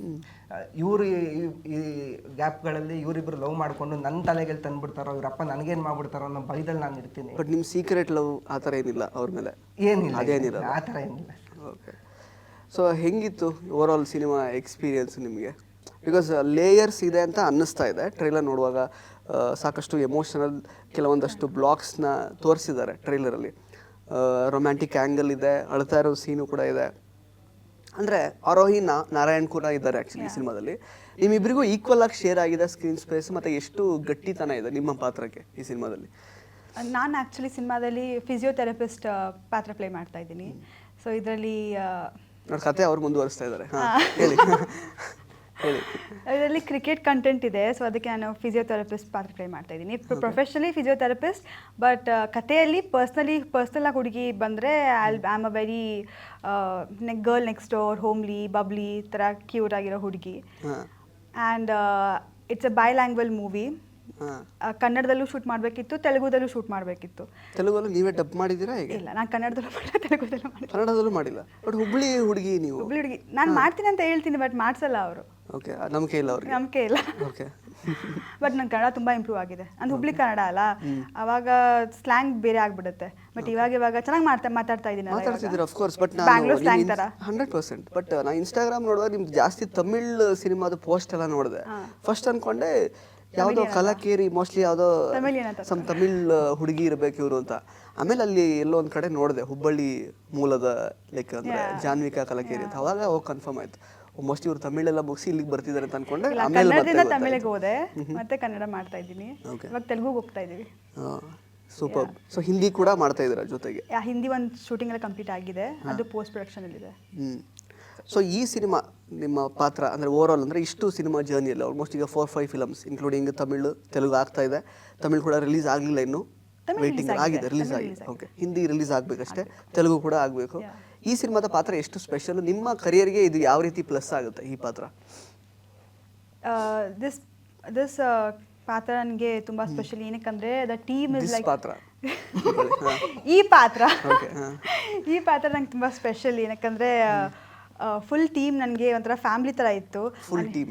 [SPEAKER 4] ಇವರು ಈ ಗ್ಯಾಪ್ಗಳಲ್ಲಿ ಇವರಿಬ್ರು ಲವ್ ಮಾಡ್ಕೊಂಡು ನನ್ನ ತಲೆಗೆ ತಂದ್ಬಿಡ್ತಾರೋ, ಇವ್ರಪ್ಪ ನನಗೇನ್ ಮಾಡ್ಬಿಡ್ತಾರೋ ಅನ್ನೋ ಭಯದಲ್ಲಿ ನಾನು ಇರ್ತೀನಿ.
[SPEAKER 2] ಬಟ್ ನಿಮ್ ಸೀಕ್ರೆಟ್ ಲವ್ ಆ ಥರ ಏನಿಲ್ಲ ಅವ್ರ ಮೇಲೆ?
[SPEAKER 4] ಏನಿಲ್ಲ,
[SPEAKER 2] ಅದೇನಿಲ್ಲ,
[SPEAKER 4] ಆ ಥರ ಏನಿಲ್ಲ.
[SPEAKER 2] ಓಕೆ. ಸೊ ಹೆಂಗಿತ್ತು ಓವರ್ ಆಲ್ ಸಿನಿಮಾ ಎಕ್ಸ್ಪೀರಿಯನ್ಸ್ ನಿಮಗೆ? ಬಿಕಾಸ್ ಲೇಯರ್ಸ್ ಇದೆ ಅಂತ ಅನ್ನಿಸ್ತಾ ಇದೆ ಟ್ರೈಲರ್ ನೋಡುವಾಗ. ಸಾಕಷ್ಟು ಎಮೋಷನಲ್ ಕೆಲವೊಂದಷ್ಟು ಬ್ಲಾಕ್ಸ್ನ ತೋರಿಸಿದ್ದಾರೆ ಟ್ರೈಲರಲ್ಲಿ. ರೊಮ್ಯಾಂಟಿಕ್ ಆ್ಯಂಗಲ್ ಇದೆ, ಅಳ್ತಾ ಇರೋ ಸೀನು ಕೂಡ ಇದೆ. ಅಂದರೆ ಆರೋಹಿ ನಾರಾಯಣ್ ಕೂಡ ಇದ್ದಾರೆ ಆ್ಯಕ್ಚುಲಿ ಸಿನಿಮಾದಲ್ಲಿ. ನಿಮ್ಮಿಬ್ಬರಿಗೂ ಈಕ್ವಲ್ ಆಗಿ ಶೇರ್ ಆಗಿದೆ ಸ್ಕ್ರೀನ್ ಸ್ಪೇಸ್, ಮತ್ತು ಎಷ್ಟು ಗಟ್ಟಿತನ ಇದೆ ನಿಮ್ಮ ಪಾತ್ರಕ್ಕೆ ಈ ಸಿನಿಮಾದಲ್ಲಿ?
[SPEAKER 3] ನಾನು ಆ್ಯಕ್ಚುಲಿ ಸಿನಿಮಾದಲ್ಲಿ ಫಿಸಿಯೋಥೆರಪಿಸ್ಟ್ ಪಾತ್ರ ಪ್ಲೇ ಮಾಡ್ತಾ ಇದ್ದೀನಿ. ಸೊ ಇದರಲ್ಲಿ
[SPEAKER 2] ನೋಡಿ ಕತೆ ಅವ್ರು ಮುಂದುವರಿಸ್ತಾ ಇದ್ದಾರೆ. ಹೇಳಿ ಹೇಳಿ.
[SPEAKER 3] ಇದರಲ್ಲಿ ಕ್ರಿಕೆಟ್ ಕಂಟೆಂಟ್ ಇದೆ, ಸೊ ಅದಕ್ಕೆ ನಾನು ಫಿಸಿಯೋಥೆರಪಿಸ್ಟ್ ಪಾತ್ರ ಪ್ಲೇ ಮಾಡ್ತಾ ಇದ್ದೀನಿ. ಪ್ರೊಫೆಷನಲಿ ಫಿಸಿಯೋಥೆರಪಿಸ್ಟ್, ಬಟ್ ಕಥೆಯಲ್ಲಿ ಪರ್ಸ್ನಲ್ ಆಗಿ ಹುಡುಗಿ ಬಂದರೆ I am a very girl next door, homely, bubbly ಥರ ಕ್ಯೂಟ್ ಆಗಿರೋ ಹುಡುಗಿ. And it's a bilingual movie. ಕನ್ನಡದಲ್ಲೂ ಶೂಟ್ ಮಾಡಬೇಕಿತ್ತು, ತೆಲುಗುದಲ್ಲೂ ಶೂಟ್ ಮಾಡಬೇಕಿತ್ತು.
[SPEAKER 2] ತೆಲುಗಲ್ಲೂ ನೀವೇ ಡಬ್ ಮಾಡಿದ್ದೀರಾ? ಹೇಗೆ?
[SPEAKER 3] ಇಲ್ಲ, ನಾನು ಕನ್ನಡದಲ್ಲೂ ಮಾಡಿಲ್ಲ, ತೆಲುಗುದಲ್ಲೂ ಮಾಡಿಲ್ಲ,
[SPEAKER 2] ಕನ್ನಡದಲ್ಲೂ ಮಾಡಿಲ್ಲ. ಬಟ್ ಹುಬ್ಳಿ ಹುಡುಗಿ ನೀವು?
[SPEAKER 3] ಹುಬ್ಳಿ ಹುಡುಗಿ ನಾನು ಮಾಡ್ತೀನಿ ಅಂತ ಹೇಳ್ತೀನಿ, ಬಟ್ ಮಾಡಿಸಲ್ಲ ಅವರು.
[SPEAKER 2] ಓಕೆ, ನಂಬಿಕೆ ಇಲ್ಲ ಅವ್ರಿಗೆ?
[SPEAKER 3] ನಂಬಿಕೆ ಇಲ್ಲ.
[SPEAKER 2] ಓಕೆ.
[SPEAKER 3] ಬಟ್ ನನ್ನ ಕನ್ನಡ ತುಂಬ ಇಂಪ್ರೂವ್ ಆಗಿದೆ. ಅಂದ್ರೆ ಹುಬ್ಳಿ ಕನ್ನಡ ಅಲ್ಲ, ಅವಾಗ ಸ್ಲ್ಯಾಂಗ್ ಬೇರೆ ಆಗ್ಬಿಡುತ್ತೆ. ಬಟ್ ಇವಾಗ ಚೆನ್ನಾಗಿ ಮಾತಾಡ್ತಾ ಇದ್ದೀನಿ.
[SPEAKER 2] ಮಾತಾಡ್ತಿದ್ದೀರಾ ಆಫ್ಕೋರ್ಸ್, ಬಟ್
[SPEAKER 3] ಬ್ಯಾಂಗ್ಳೂರ್ ಸ್ಲ್ಯಾಂಗ್ ಥರ
[SPEAKER 2] 100%. ಬಟ್ ನಾನು ಇನ್ಸ್ಟಾಗ್ರಾಮ್ ನೋಡುವಾಗ ನಿಮ್ದು ಜಾಸ್ತಿ ತಮಿಳ್ ಸಿನಿಮಾದ ಪೋಸ್ಟ್ ಎಲ್ಲ ನೋಡಿದೆ. ಫಸ್ಟ್ ಅನ್ಕೊಂಡೆ ಯಾವುದೋ ಕಲಾಕೇರಿ, ಮೋಸ್ಟ್ಲಿ ಯಾವುದೋ ಸಮ್ ತಮಿಳ್ ಹುಡುಗಿ ಇರಬೇಕು ಇವರು ಅಂತ. ಆಮೇಲೆ ಅಲ್ಲಿ ಎಲ್ಲೋ ಒಂದು ಕಡೆ ನೋಡಿದೆ ಹುಬ್ಬಳ್ಳಿ ಮೂಲದ, ಲೈಕ್ ಅಂದರೆ ಜಾನ್ವಿಕಾ ಕಲಾಕೇರಿ ಅಂತ. ಅವಾಗ ಹೋಗಿ ಕನ್ಫರ್ಮ್ ಆಯ್ತು, ಮೋಸ್ಟ್ಲಿ ಇವ್ರು ತಮಿಳೆಲ್ಲ ಮುಗಿಸಿ ಇಲ್ಲಿಗೆ ಬರ್ತಿದ್ದಾರೆ ಅಂತ ಅನ್ಕೊಂಡೆ.
[SPEAKER 3] ಕನ್ನಡದಿಂದ ತಮಿಳಿಗೆ ಹೋದೆ, ಮತ್ತೆ ಕನ್ನಡ ಮಾಡ್ತಾ ಇದ್ದೀನಿ. ಇವಾಗ ತೆಲುಗುಗೆ ಹೋಗ್ತಾ ಇದ್ದೀವಿ.
[SPEAKER 2] ಸೂಪರ್. ಸೊ ಹಿಂದಿ ಕೂಡ ಮಾಡ್ತಾ ಇದ್ದೀರಾ ಜೊತೆಗೆ?
[SPEAKER 3] ಹಿಂದಿ ಒಂದು ಶೂಟಿಂಗ್ ಎಲ್ಲ ಕಂಪ್ಲೀಟ್ ಆಗಿದೆ, ಅದು ಪೋಸ್ಟ್ ಪ್ರೊಡಕ್ಷನ್ ಇದೆ.
[SPEAKER 2] ಸೊ ಈ ಸಿನಿಮಾ ನಿಮ್ಮ ಪಾತ್ರ ಅಂದರೆ ಓವರ್ ಆಲ್ ಅಂದರೆ ಇಷ್ಟು ಸಿನಿಮಾ ಜರ್ನಿಯಲ್ಲಿ ಆಲ್ಮೋಸ್ಟ್ ಈಗ 4-5 ಫಿಲಮ್ಸ್ ಇನ್ಕ್ಲೂಡಿಂಗ್ ತಮಿಳು, ತೆಲುಗು ಆಗ್ತಾ ಇದೆ. ತಮಿಳು ಕೂಡ ರಿಲೀಸ್ ಆಗಲಿಲ್ಲ ಇನ್ನೂ, ವೇಟಿಂಗ್ ಆಗಿದೆ, ರಿಲೀಸ್ ಆಗಿದೆ. ಓಕೆ, ಹಿಂದಿ ರಿಲೀಸ್ ಆಗಬೇಕಷ್ಟೇ, ತೆಲುಗು ಕೂಡ ಆಗಬೇಕು. ಈ ಸಿನಿಮಾದ ಪಾತ್ರ ಎಷ್ಟು ಸ್ಪೆಷಲ್ ನಿಮ್ಮ ಕರಿಯರ್ಗೆ? ಇದು ಯಾವ ರೀತಿ ಪ್ಲಸ್ ಆಗುತ್ತೆ ಈ ಪಾತ್ರ?
[SPEAKER 3] ದಿಸ್ ಪಾತ್ರ ನನಗೆ ತುಂಬ ಸ್ಪೆಷಲ್. ಏನಕ್ಕಂದರೆ ದ ಟೀಮ್ ಇಸ್ ಲೈಕ್
[SPEAKER 2] ಪಾತ್ರ
[SPEAKER 3] ಈ ಪಾತ್ರ ನಂಗೆ ತುಂಬ ಸ್ಪೆಷಲ್. ಏನಕ್ಕಂದರೆ ಫುಲ್ ಟೀಮ್ ನನಗೆ ಒಂಥರ ಫ್ಯಾಮಿಲಿ ಥರ ಇತ್ತು.
[SPEAKER 2] ಫುಲ್ ಟೀಮ್,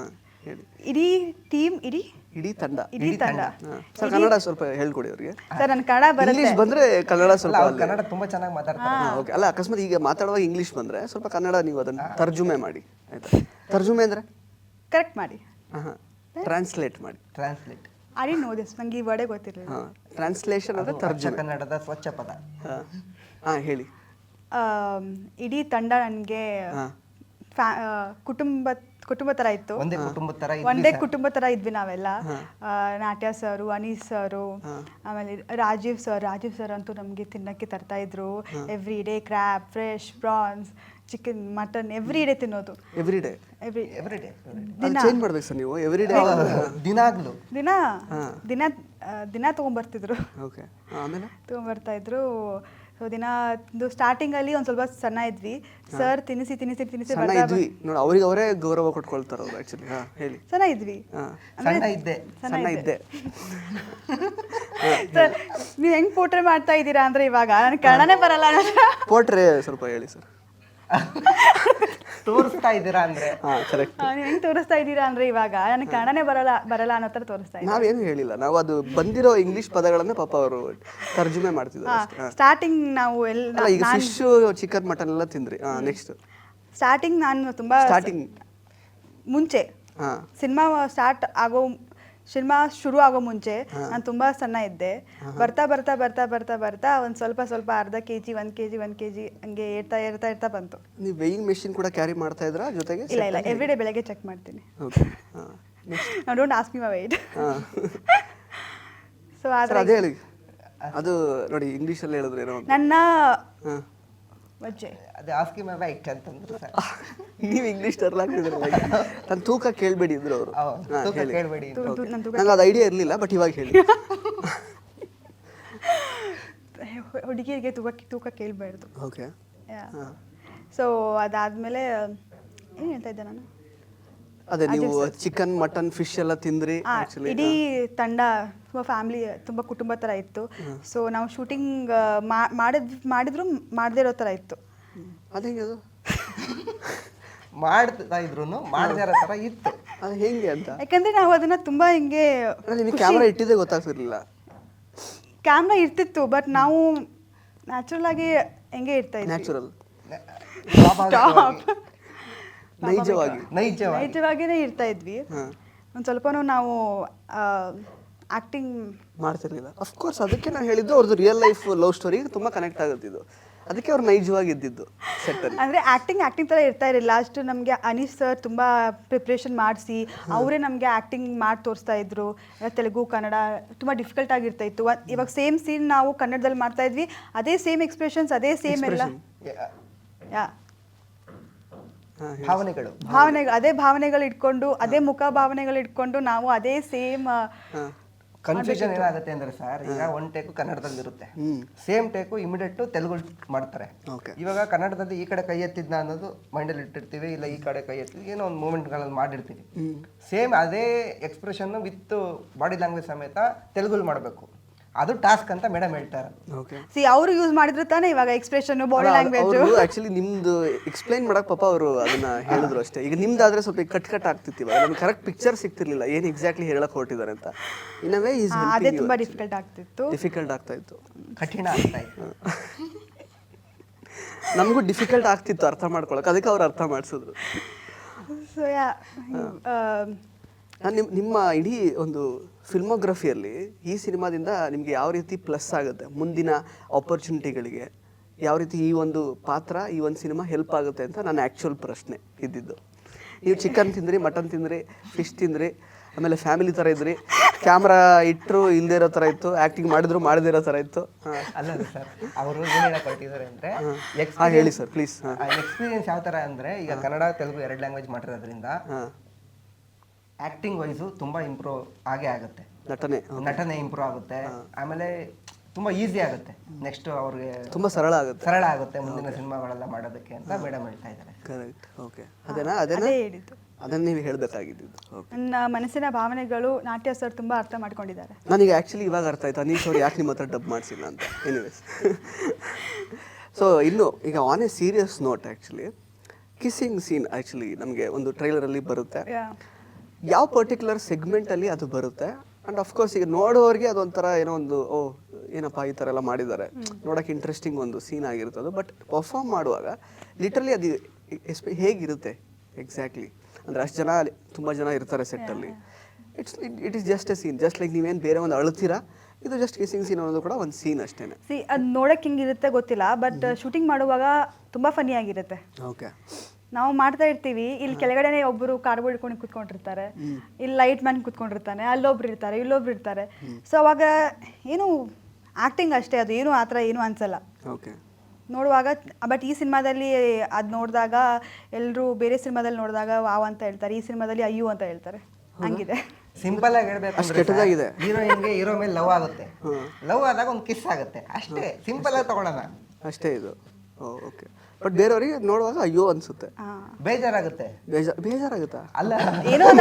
[SPEAKER 3] ಇಡೀ ತಂಡ.
[SPEAKER 2] ಸರ್ ಕನ್ನಡ ಸ್ವಲ್ಪ ಹೇಳ್ಕೊಡಿ ಅವರಿಗೆ.
[SPEAKER 3] ಸರ್ ನನ್ನ ಕನ್ನಡ ಬರುತ್ತೆ,
[SPEAKER 2] ಬಂದ್ರೆ ಕನ್ನಡ ಸ್ವಲ್ಪ.
[SPEAKER 4] ಕನ್ನಡ ತುಂಬಾ ಚೆನ್ನಾಗಿ ಮಾತಾಡ್ತಾರೆ.
[SPEAKER 2] ಓಕೆ, ಅಲ್ಲ ಅಕಸ್ಮಾತ್ ಈಗ ಮಾತಾಡುವಾಗ ಇಂಗ್ಲಿಷ್ ಬಂದ್ರೆ ಸ್ವಲ್ಪ ಕನ್ನಡ ನೀವು ಅದನ್ನ ತರ್ಜುಮೆ ಮಾಡಿ, ಆಯ್ತಾ? ತರ್ಜುಮೆ ಅಂದ್ರೆ
[SPEAKER 3] ಕರೆಕ್ಟ್ ಮಾಡಿ,
[SPEAKER 2] ಟ್ರಾನ್ಸ್ಲೇಟ್ ಮಾಡಿ.
[SPEAKER 4] Translate
[SPEAKER 3] I didn't know this, ನನಗೆ ಈ ವರ್ಡೇ ಗೊತ್ತಿರಲಿಲ್ಲ.
[SPEAKER 2] ಟ್ರಾನ್ಸ್ಲೇಷನ್ ಅಂದ್ರೆ ತರ್ಜುಮೆ,
[SPEAKER 4] ಕನ್ನಡದ ಸ್ವಚ್ಛ ಪದ.
[SPEAKER 2] ಹೇಳಿ.
[SPEAKER 3] ಇಡೀ ತಂಡ ನನಗೆ ಕುಟುಂಬ ಥರ ಇತ್ತು. ಒಂದೇ ಕುಟುಂಬ ಥರ ಇದ್ವಿ ನಾವೆಲ್ಲ. ನಾಟ್ಯ ಸರು, ಅನೀಸ್ ಸರು, ಆಮೇಲೆ ರಾಜೀವ್ ಸರ್ ಅಂತೂ ನಮಗೆ ತಿನ್ನಕ್ಕೆ ತರ್ತಾ ಇದ್ರು. Every day crab, fresh prawns, chicken, mutton every day ತಿನ್ನೋದು.
[SPEAKER 2] ಎವ್ರಿ ಡೇ ಚೇಂಜ್ ಮಾಡ್ಬೇಕು ಸರ್ ನೀವು. ಎವ್ರಿ ಡೇ
[SPEAKER 3] ದಿನ ತೊಗೊಂಬರ್ತಿದ್ರು.
[SPEAKER 2] ಓಕೆ, ಆಮೇಲೆ
[SPEAKER 3] ತೊಗೊಂಬರ್ತಾ ಇದ್ರು. ಸೊ ದಿನ ಸ್ಟಾರ್ಟಿಂಗಲ್ಲಿ ಒಂದು ಸ್ವಲ್ಪ ಸಣ್ಣ ಇದ್ವಿ. ಸರ್ ತಿನ್ನಿಸಿ
[SPEAKER 2] ಇದ್ವಿ ನೋಡಿ, ಅವ್ರಿಗೆ ಅವರೇ ಗೌರವ ಕೊಟ್ಕೊಳ್ತಾರೆ ಅವ್ರು. ಆ್ಯಕ್ಚುಲಿ ಹೇಳಿ.
[SPEAKER 3] ಸಣ್ಣ ಇದ್ವಿ,
[SPEAKER 2] ಸಣ್ಣ ಇದ್ದೆ.
[SPEAKER 3] ಸರ್ ನೀವು ಹೆಂಗೆ ಪೋಟ್ರೆ ಮಾಡ್ತಾ ಇದ್ದೀರಾ ಅಂದರೆ ಇವಾಗ ನನಗೆ ಕನ್ನಡನೇ ಬರಲ್ಲ.
[SPEAKER 2] ಪೋಟ್ರೆ ಸ್ವಲ್ಪ ಹೇಳಿ ಸರ್.
[SPEAKER 4] ತೋರಿಸ್ತಾ ಇದ್ದೀರಾ ಅಂದ್ರೆ
[SPEAKER 2] ಹಾಂ ಕರೆಕ್ಟ್.
[SPEAKER 3] ನೀವು ಹೆಂಗೆ ತೋರಿಸ್ತಾ ಇದ್ದೀರಾ ಅಂದರೆ ಇವಾಗ ನನಗೆ ಕನ್ನಡನೇ ಬರಲ್ಲ ಅನ್ನೋ ಥರ ತೋರಿಸ್ತಾ ಇದ್ದೀನಿ.
[SPEAKER 2] ನಾವೇನು ಹೇಳಿಲ್ಲ, ನಾವು ಅದು ಬಂದಿರೋ ಇಂಗ್ಲಿಷ್ ಪದಗಳನ್ನ ಪಾಪ ಅವರು ತರ್ಜುಮೆ ಮಾಡ್ತಿದ್ದಾರೆ ಅಷ್ಟೇ.
[SPEAKER 3] ಸ್ಟಾರ್ಟಿಂಗ್ ನಾವು
[SPEAKER 2] ಅಲ್ಲ, ಈಗ ಫಿಶ್ ಚಿಕನ್ ಮಟನ್ ಎಲ್ಲ ತಿಂದ್ರಿ. ನೆಕ್ಸ್ಟ್
[SPEAKER 3] ಸ್ಟಾರ್ಟಿಂಗ್ ನಾನು ತುಂಬ
[SPEAKER 2] ಸ್ಟಾರ್ಟಿಂಗ್
[SPEAKER 3] ಮುಂಚೆ
[SPEAKER 2] ಹಾಂ
[SPEAKER 3] ಸಿನಿಮಾ ಶುರು ಆಗೋ ಮುಂಚೆ ನಾನು ತುಂಬ ಸಣ್ಣ ಇದ್ದೆ. ಬರ್ತಾ ಬರ್ತಾ ಬರ್ತಾ ಬರ್ತಾ ಬರ್ತಾ ಒಂದು ಸ್ವಲ್ಪ ಅರ್ಧ ಕೆಜಿ 1 ಕೆಜಿ ಹಂಗೆ ಏರ್ತಾ ಬಂತು.
[SPEAKER 2] ನೀವು ವೇಯಿಂಗ್ ಮೆಷಿನ್ ಕೂಡ ಕ್ಯಾರಿ ಮಾಡ್ತಾ ಇದ್ರಾ ಜೊತೆಗೆ?
[SPEAKER 3] ಇಲ್ಲ ಎವ್ರಿ ಡೇ ಬೆಳಗ್ಗೆ ಚೆಕ್ ಮಾಡ್ತೀನಿ.
[SPEAKER 2] ಓಕೆ ಹಾಂ.
[SPEAKER 3] I don't ask me my weight.
[SPEAKER 2] ಹಾಂ
[SPEAKER 3] ಸೊ
[SPEAKER 2] ಸರ್ ಅದೇ ಹೇಳಿ, ಅದು ನೋಡಿ ಇಂಗ್ಲೀಷಲ್ಲಿ ಹೇಳಿದ್ರು ಏನೋ ಒಂದು.
[SPEAKER 3] ನನ್ನ
[SPEAKER 2] ಹಾಂ
[SPEAKER 3] ವಜ್ಜೆ
[SPEAKER 4] ಅದು ಆಸ್ಕಿ ಮೈ ವೈಟ್ ಅಂತಂದ್ರು ಸರ್.
[SPEAKER 2] ನೀವು ಇಂಗ್ಲೀಷ್ ತರ್ಲಾಕ್ತಿದ್ರಲ್ಲ, ನನ್ನ ತೂಕ ಕೇಳಬೇಡಿ ಇದ್ರು ಅವರು.
[SPEAKER 4] ತೂಕ ಕೇಳಬೇಡಿ.
[SPEAKER 2] ನಂಗೆ ಅದು ಐಡಿಯಾ ಇರಲಿಲ್ಲ, ಬಟ್ ಇವಾಗ ಹೇಳಿ.
[SPEAKER 3] ಹುಡುಗಿಯರಿಗೆ ತೂಕ ಕೇಳಬಾರ್ದು.
[SPEAKER 2] ಓಕೆ.
[SPEAKER 3] ಸೊ ಅದಾದಮೇಲೆ ಏನು ಹೇಳ್ತಾ ಇದ್ದೆ ನಾನು?
[SPEAKER 2] ಅದೇ ನೀವು ಚಿಕನ್ ಮಟನ್ ಫಿಶ್ ಎಲ್ಲ ತಿಂದ್ರಿ.
[SPEAKER 3] ಇಡೀ ತಂಡ ತುಂಬ ಫ್ಯಾಮಿಲಿ ತುಂಬ ಕುಟುಂಬ ಥರ ಇತ್ತು. ಸೊ ನಾವು ಶೂಟಿಂಗ್ ಮಾಡಿದ್ರು ಮಾಡದೇ ಇರೋ ಥರ ಇತ್ತು.
[SPEAKER 2] ಅದೇ ಅದು
[SPEAKER 4] ಮಾಡ್ತಾ ಇದ್ರು ಮಾಡದೇ ಇರೋ ಥರ ಇತ್ತು.
[SPEAKER 2] ಅದು ಹೆಂಗೆ ಅಂತ?
[SPEAKER 3] ಯಾಕಂದರೆ ನಾವು ಅದನ್ನು ತುಂಬ ಹಿಂಗೆ
[SPEAKER 2] ನಿಮಗೆ ಕ್ಯಾಮ್ರಾ ಇಟ್ಟಿದ್ದೆ ಗೊತ್ತಾಗ್ತಿರ್ಲಿಲ್ಲ.
[SPEAKER 3] ಕ್ಯಾಮ್ರಾ ಇರ್ತಿತ್ತು, ಬಟ್ ನಾವು ನ್ಯಾಚುರಲ್ ಆಗಿ ಹೆಂಗೆ ಇರ್ತಾ ಇದ್ವಿ.
[SPEAKER 2] ನ್ಯಾಚುರಲ್,
[SPEAKER 3] ನೈಜವಾಗಿನೇ ಇರ್ತಾ ಇದ್ವಿ. ಒಂದು ಸ್ವಲ್ಪನೂ ನಾವು ಆಕ್ಟಿಂಗ್
[SPEAKER 2] ಮಾಡ್ತಿರ್ಲಿಲ್ಲ. ಅಫ್ಕೋರ್ಸ್ ಅದಕ್ಕೆ ನಾನು ಹೇಳಿದ್ದು ಅವ್ರದ್ದು ರಿಯಲ್ ಲೈಫ್ ಲವ್ ಸ್ಟೋರಿ ತುಂಬ ಕನೆಕ್ಟ್ ಆಗುತ್ತಿದ್ದು, ಅದಕ್ಕೆ ಅವ್ರು ನೈಜವಾಗಿ ಇದ್ದಿದ್ದು ಸೆಟ್ಟಲ್ಲಿ.
[SPEAKER 3] ಅಂದರೆ ಆ್ಯಕ್ಟಿಂಗ್ ಥರ ಇರ್ತಾ ಇರಲಿಲ್ಲ. ಅಷ್ಟು ನಮಗೆ ಅನೀಸ್ ಸರ್ ತುಂಬ ಪ್ರಿಪ್ರೇಷನ್ ಮಾಡಿಸಿ ಅವರೇ ನಮಗೆ ಆ್ಯಕ್ಟಿಂಗ್ ಮಾಡಿ ತೋರಿಸ್ತಾ ಇದ್ರು. ತೆಲುಗು ಕನ್ನಡ ತುಂಬ ಡಿಫಿಕಲ್ಟ್ ಆಗಿರ್ತಾ ಇತ್ತು. ಇವಾಗ ಸೇಮ್ ಸೀನ್ ನಾವು ಕನ್ನಡದಲ್ಲಿ ಮಾಡ್ತಾ ಇದ್ವಿ, ಅದೇ ಸೇಮ್ ಎಕ್ಸ್ಪ್ರೆಷನ್ಸ್, ಅದೇ ಸೇಮ್ ಎಲ್ಲ
[SPEAKER 4] ಭಾವನೆಗಳು
[SPEAKER 3] ಭಾವನೆಗಳು ಇಟ್ಕೊಂಡು, ಅದೇ ಮುಖ ಭಾವನೆಗಳು ಇಟ್ಕೊಂಡು ನಾವು ಅದೇ ಸೇಮ್.
[SPEAKER 4] ಕನ್ಫ್ಯೂಷನ್ ಏನಾಗುತ್ತೆ ಅಂದ್ರೆ ಸರ್, ಈಗ ಒಂದು ಟೇಕು ಕನ್ನಡದಲ್ಲಿ ಇರುತ್ತೆ, ಸೇಮ್ ಟೇಕು ಇಮಿಡಿಯೇಟ್ ತೆಲುಗು ಮಾಡ್ತಾರೆ. ಇವಾಗ ಕನ್ನಡದಲ್ಲಿ ಈ ಕಡೆ ಕೈ ಎತ್ತಿದ್ನ ಅನ್ನೋದು ಮೈಂಡಲ್ಲಿ ಇಟ್ಟಿರ್ತೀವಿ, ಇಲ್ಲ ಈ ಕಡೆ ಕೈ ಎತ್ತಿದ್ವಿ, ಏನೋ ಒಂದು ಮೂಮೆಂಟ್ಗಳಲ್ಲಿ ಮಾಡಿರ್ತೀವಿ. ಸೇಮ್ ಅದೇ ಎಕ್ಸ್ಪ್ರೆಷನ್ ವಿತ್ ಬಾಡಿ ಲ್ಯಾಂಗ್ವೇಜ್ ಸಮೇತ ತೆಲುಗಲ್ಲಿ ಮಾಡಬೇಕು. ಅದು ಟಾಸ್ಕ್ ಅಂತ ಮೇಡಮ್ ಹೇಳ್ತಾರೆ.
[SPEAKER 3] ಅವರು ಯೂಸ್ ಮಾಡಿದ್ರು ತಾನೇ ಇವಾಗ ಎಕ್ಸ್ಪ್ರೆಷನ್, ಬಾಡಿ ಲ್ಯಾಂಗ್ವೇಜ್.
[SPEAKER 2] ಆಕ್ಚುಲಿ ನಿಮ್ದು ಎಕ್ಸ್ಪ್ಲೈನ್ ಮಾಡಕ್ ಪಾಪ ಅವರು ಅದನ್ನ ಹೇಳಿದ್ರು ಅಷ್ಟೇ. ಈಗ ನಿಮ್ದಾದ್ರೆ ಸ್ವಲ್ಪ ಕಟ್ ಆಗ್ತಿತ್ತು, ಇವಾಗ ನಮ್ಗೆ ಕರೆಕ್ಟ್ ಪಿಕ್ಚರ್ ಸಿಗ್ತಿರ್ಲಿಲ್ಲ ಏನು ಎಕ್ಸಾಕ್ಟ್ಲಿ ಹೇಳಕ್ ಹೊರಟಿದ್ದಾರೆ ಅಂತ. ಇನ್ನವೇ
[SPEAKER 3] ಅದೇ ತುಂಬಾ ಡಿಫಿಕಲ್ಟ್
[SPEAKER 2] ಆಗ್ತಾ ಇತ್ತು,
[SPEAKER 4] ಕಠಿಣ ಆಗ್ತಾ ಇತ್ತು.
[SPEAKER 2] ನಮಗೂ ಡಿಫಿಕಲ್ಟ್ ಆಗ್ತಿತ್ತು ಅರ್ಥ ಮಾಡ್ಕೊಳಕ್, ಅದಕ್ಕೆ ಅವ್ರು ಅರ್ಥ ಮಾಡಿಸಿದ್ರು. ನಿಮ್ಮ ಇಡೀ ಒಂದು ಫಿಲ್ಮೋಗ್ರಫಿಯಲ್ಲಿ ಈ ಸಿನಿಮಾದಿಂದ ನಿಮಗೆ ಯಾವ ರೀತಿ ಪ್ಲಸ್ ಆಗುತ್ತೆ, ಮುಂದಿನ ಆಪರ್ಚುನಿಟಿಗಳಿಗೆ ಯಾವ ರೀತಿ ಈ ಒಂದು ಪಾತ್ರ, ಈ ಒಂದು ಸಿನಿಮಾ ಹೆಲ್ಪ್ ಆಗುತ್ತೆ ಅಂತ ನನ್ನ ಆ್ಯಕ್ಚುಯಲ್ ಪ್ರಶ್ನೆ ಇದ್ದಿದ್ದು. ನೀವು ಚಿಕನ್ ತಿಂದ್ರಿ, ಮಟನ್ ತಿಂದ್ರಿ, ಫಿಶ್ ತಿಂದ್ರಿ, ಆಮೇಲೆ ಫ್ಯಾಮಿಲಿ ಥರ ಇದ್ರಿ, ಕ್ಯಾಮ್ರಾ ಇಟ್ಟರು ಇಲ್ಲದೇ ಇರೋ ಥರ ಇತ್ತು, ಆ್ಯಕ್ಟಿಂಗ್ ಮಾಡಿದ್ರು ಮಾಡದೇ ಇರೋ ಥರ ಇತ್ತು.
[SPEAKER 4] ಅಲ್ಲ ಸರ್, ಅವರು ಏನು ಹೇಳಕ್ ಹೊರಟಿದ್ದಾರೆ ಅಂದರೆ,
[SPEAKER 2] ಹೇಳಿ ಸರ್ ಪ್ಲೀಸ್.
[SPEAKER 4] ಎಕ್ಸ್ಪೀರಿಯನ್ಸ್ ಯಾವ ಥರ ಅಂದರೆ, ಈಗ ಕನ್ನಡ ತೆಲುಗು 2 ಲ್ಯಾಂಗ್ವೇಜ್ ಮಾಡಿರೋದ್ರಿಂದ ಆಕ್ಟಿಂಗ್ ವೈಸು ತುಂಬಾ ಇಂಪ್ರೂವ್ ಆಗೇ ಆಗುತ್ತೆ. ನಟನೆ ಇಂಪ್ರೂವ್ ಆಗುತ್ತೆ. ಆಮೇಲೆ ತುಂಬಾ ಈಸಿ ಆಗುತ್ತೆ. ನೆಕ್ಸ್ಟ್ ಅವ್ರಿಗೆ
[SPEAKER 2] ತುಂಬಾ ಸರಳ ಆಗುತ್ತೆ
[SPEAKER 4] ಮುಂದಿನ ಸಿನಿಮಾಗಳೆಲ್ಲ ಮಾಡೋದಕ್ಕೆ ಅಂತ ಮೇಡಮ್ ಹೇಳ್ತಾ ಇದ್ದಾರೆ.
[SPEAKER 2] ಕರೆಕ್ಟ್. ಓಕೆ, ಅದನ್ನ ನೀವು ಹೇಳಬೇಕಾಗಿದ್ದು.
[SPEAKER 3] ನನ್ನ ಮನಸ್ಸಿನ ಭಾವನೆಗಳು ನಾಟ್ಯ ಸರ್ ತುಂಬಾ ಅರ್ಥ ಮಾಡ್ಕೊಂಡಿದ್ದಾರೆ.
[SPEAKER 2] ನನಗೆ ಆ್ಯಕ್ಚುಲಿ ಇವಾಗ ಅರ್ಥ ಆಯ್ತು ಅನೀಶ್ ಅವ್ರು ಯಾಕೆ ನಿಮ್ಮ ಹತ್ರ ಡಬ್ ಮಾಡಿಸಿಲ್ಲ ಅಂತ. ಎನಿವೇಸ್, ಸೊ ಇನ್ನು ಈಗ on a serious note, actually kissing scene actually ನಮಗೆ ಒಂದು ಟ್ರೈಲರಲ್ಲಿ ಬರುತ್ತೆ. ಯಾವ ಪರ್ಟಿಕ್ಯುಲರ್ ಸೆಗ್ಮೆಂಟಲ್ಲಿ ಅದು ಬರುತ್ತೆ? ಆ್ಯಂಡ್ ಅಫ್ಕೋರ್ಸ್ ಈಗ ನೋಡೋರಿಗೆ ಅದೊಂಥರ ಏನೋ ಒಂದು ಏನಪ್ಪ ಈ ಥರ ಎಲ್ಲ ಮಾಡಿದ್ದಾರೆ, ನೋಡೋಕೆ ಇಂಟ್ರೆಸ್ಟಿಂಗ್ ಒಂದು ಸೀನ್ ಆಗಿರುತ್ತೆ ಅದು. ಬಟ್ ಪರ್ಫಾರ್ಮ್ ಮಾಡುವಾಗ ಲಿಟ್ರಲಿ ಅದು ಹೇಗಿರುತ್ತೆ ಎಕ್ಸಾಕ್ಟ್ಲಿ? ಅಂದರೆ ಅಷ್ಟು ಜನ, ತುಂಬ ಜನ ಇರ್ತಾರೆ ಸೆಟ್ಟಲ್ಲಿ. It is just a scene, just like ನೀವೇನು ಬೇರೆ ಒಂದು ಅಳ್ತೀರಾ, ಇದು ಜಸ್ಟ್ ಕಿಸ್ಸಿಂಗ್ ಸೀನ್ ಅನ್ನೋದು ಕೂಡ ಒಂದು ಸೀನ್ ಅಷ್ಟೇ.
[SPEAKER 3] ಅದು ನೋಡೋಕೆ ಹಿಂಗಿರುತ್ತೆ ಗೊತ್ತಿಲ್ಲ, ಬಟ್ ಶೂಟಿಂಗ್ ಮಾಡುವಾಗ ತುಂಬ ಫನ್ನಿ ಆಗಿರುತ್ತೆ.
[SPEAKER 2] ಓಕೆ,
[SPEAKER 3] ನಾವು ಮಾಡ್ತಾ ಇರ್ತೀವಿ, ಇಲ್ಲಿ ಕೆಳಗಡೆನೆ ಒಬ್ಬರು ಕಾರ್ಬೋರ್ಡ್ ಇಟ್ಕೊಂಡು ಕುತ್ಕೊಂಡಿರ್ತಾರೆ, ಇಲ್ಲಿ ಲೈಟ್ ಮ್ಯಾನ್ ಕುತ್ಕೊಂಡಿರ್ತಾನೆ, ಅಲ್ಲೊಬ್ರು ಇರ್ತಾರೆ, ಇಲ್ಲೊಬ್ರು ಇರ್ತಾರೆ. ಸೊ ಅವಾಗ ಏನು ಆ್ಯಕ್ಟಿಂಗ್ ಅಷ್ಟೇ, ಅದು ಏನು ಆ ಥರ ಏನು ಅನ್ಸಲ್ಲ ನೋಡುವಾಗ. ಬಟ್ ಈ ಸಿನಿಮಾದಲ್ಲಿ ಅದು ನೋಡಿದಾಗ ಎಲ್ಲರೂ ಬೇರೆ ಸಿನಿಮಾದಲ್ಲಿ ನೋಡಿದಾಗ ವಾವ್ ಅಂತ ಹೇಳ್ತಾರೆ, ಈ ಸಿನಿಮಾದಲ್ಲಿ ಅಯ್ಯೋ ಅಂತ ಹೇಳ್ತಾರೆ. ಹಂಗಿದೆ.
[SPEAKER 4] ಸಿಂಪಲ್ ಆಗಿ ಹೇಳ್ಬೇಕು, ಹೀರೋಯಿನ್ಗೆ ಹೀರೋ ಮೇಲೆ ಲವ್ ಆಗುತ್ತೆ, ಲವ್ ಆದಾಗ ಒಂದು ಕಿಸ್ ಆಗುತ್ತೆ ಅಷ್ಟೇ. ಸಿಂಪಲ್ ಆಗಿ ತಗೊಳ್ಳೋಣ ಅಷ್ಟೇ
[SPEAKER 2] ಇದು. ಓಕೆ, ಬಟ್ ಬೇರೆಯವರಿಗೆ ನೋಡುವಾಗ ಅಯ್ಯೋ ಅನ್ಸುತ್ತೆ,
[SPEAKER 4] ಬೇಜಾರಾಗುತ್ತೆ.
[SPEAKER 2] ಬೇಜಾರಾಗುತ್ತಾ?
[SPEAKER 3] ಅಲ್ಲ, ಏನೋ ಒಂದು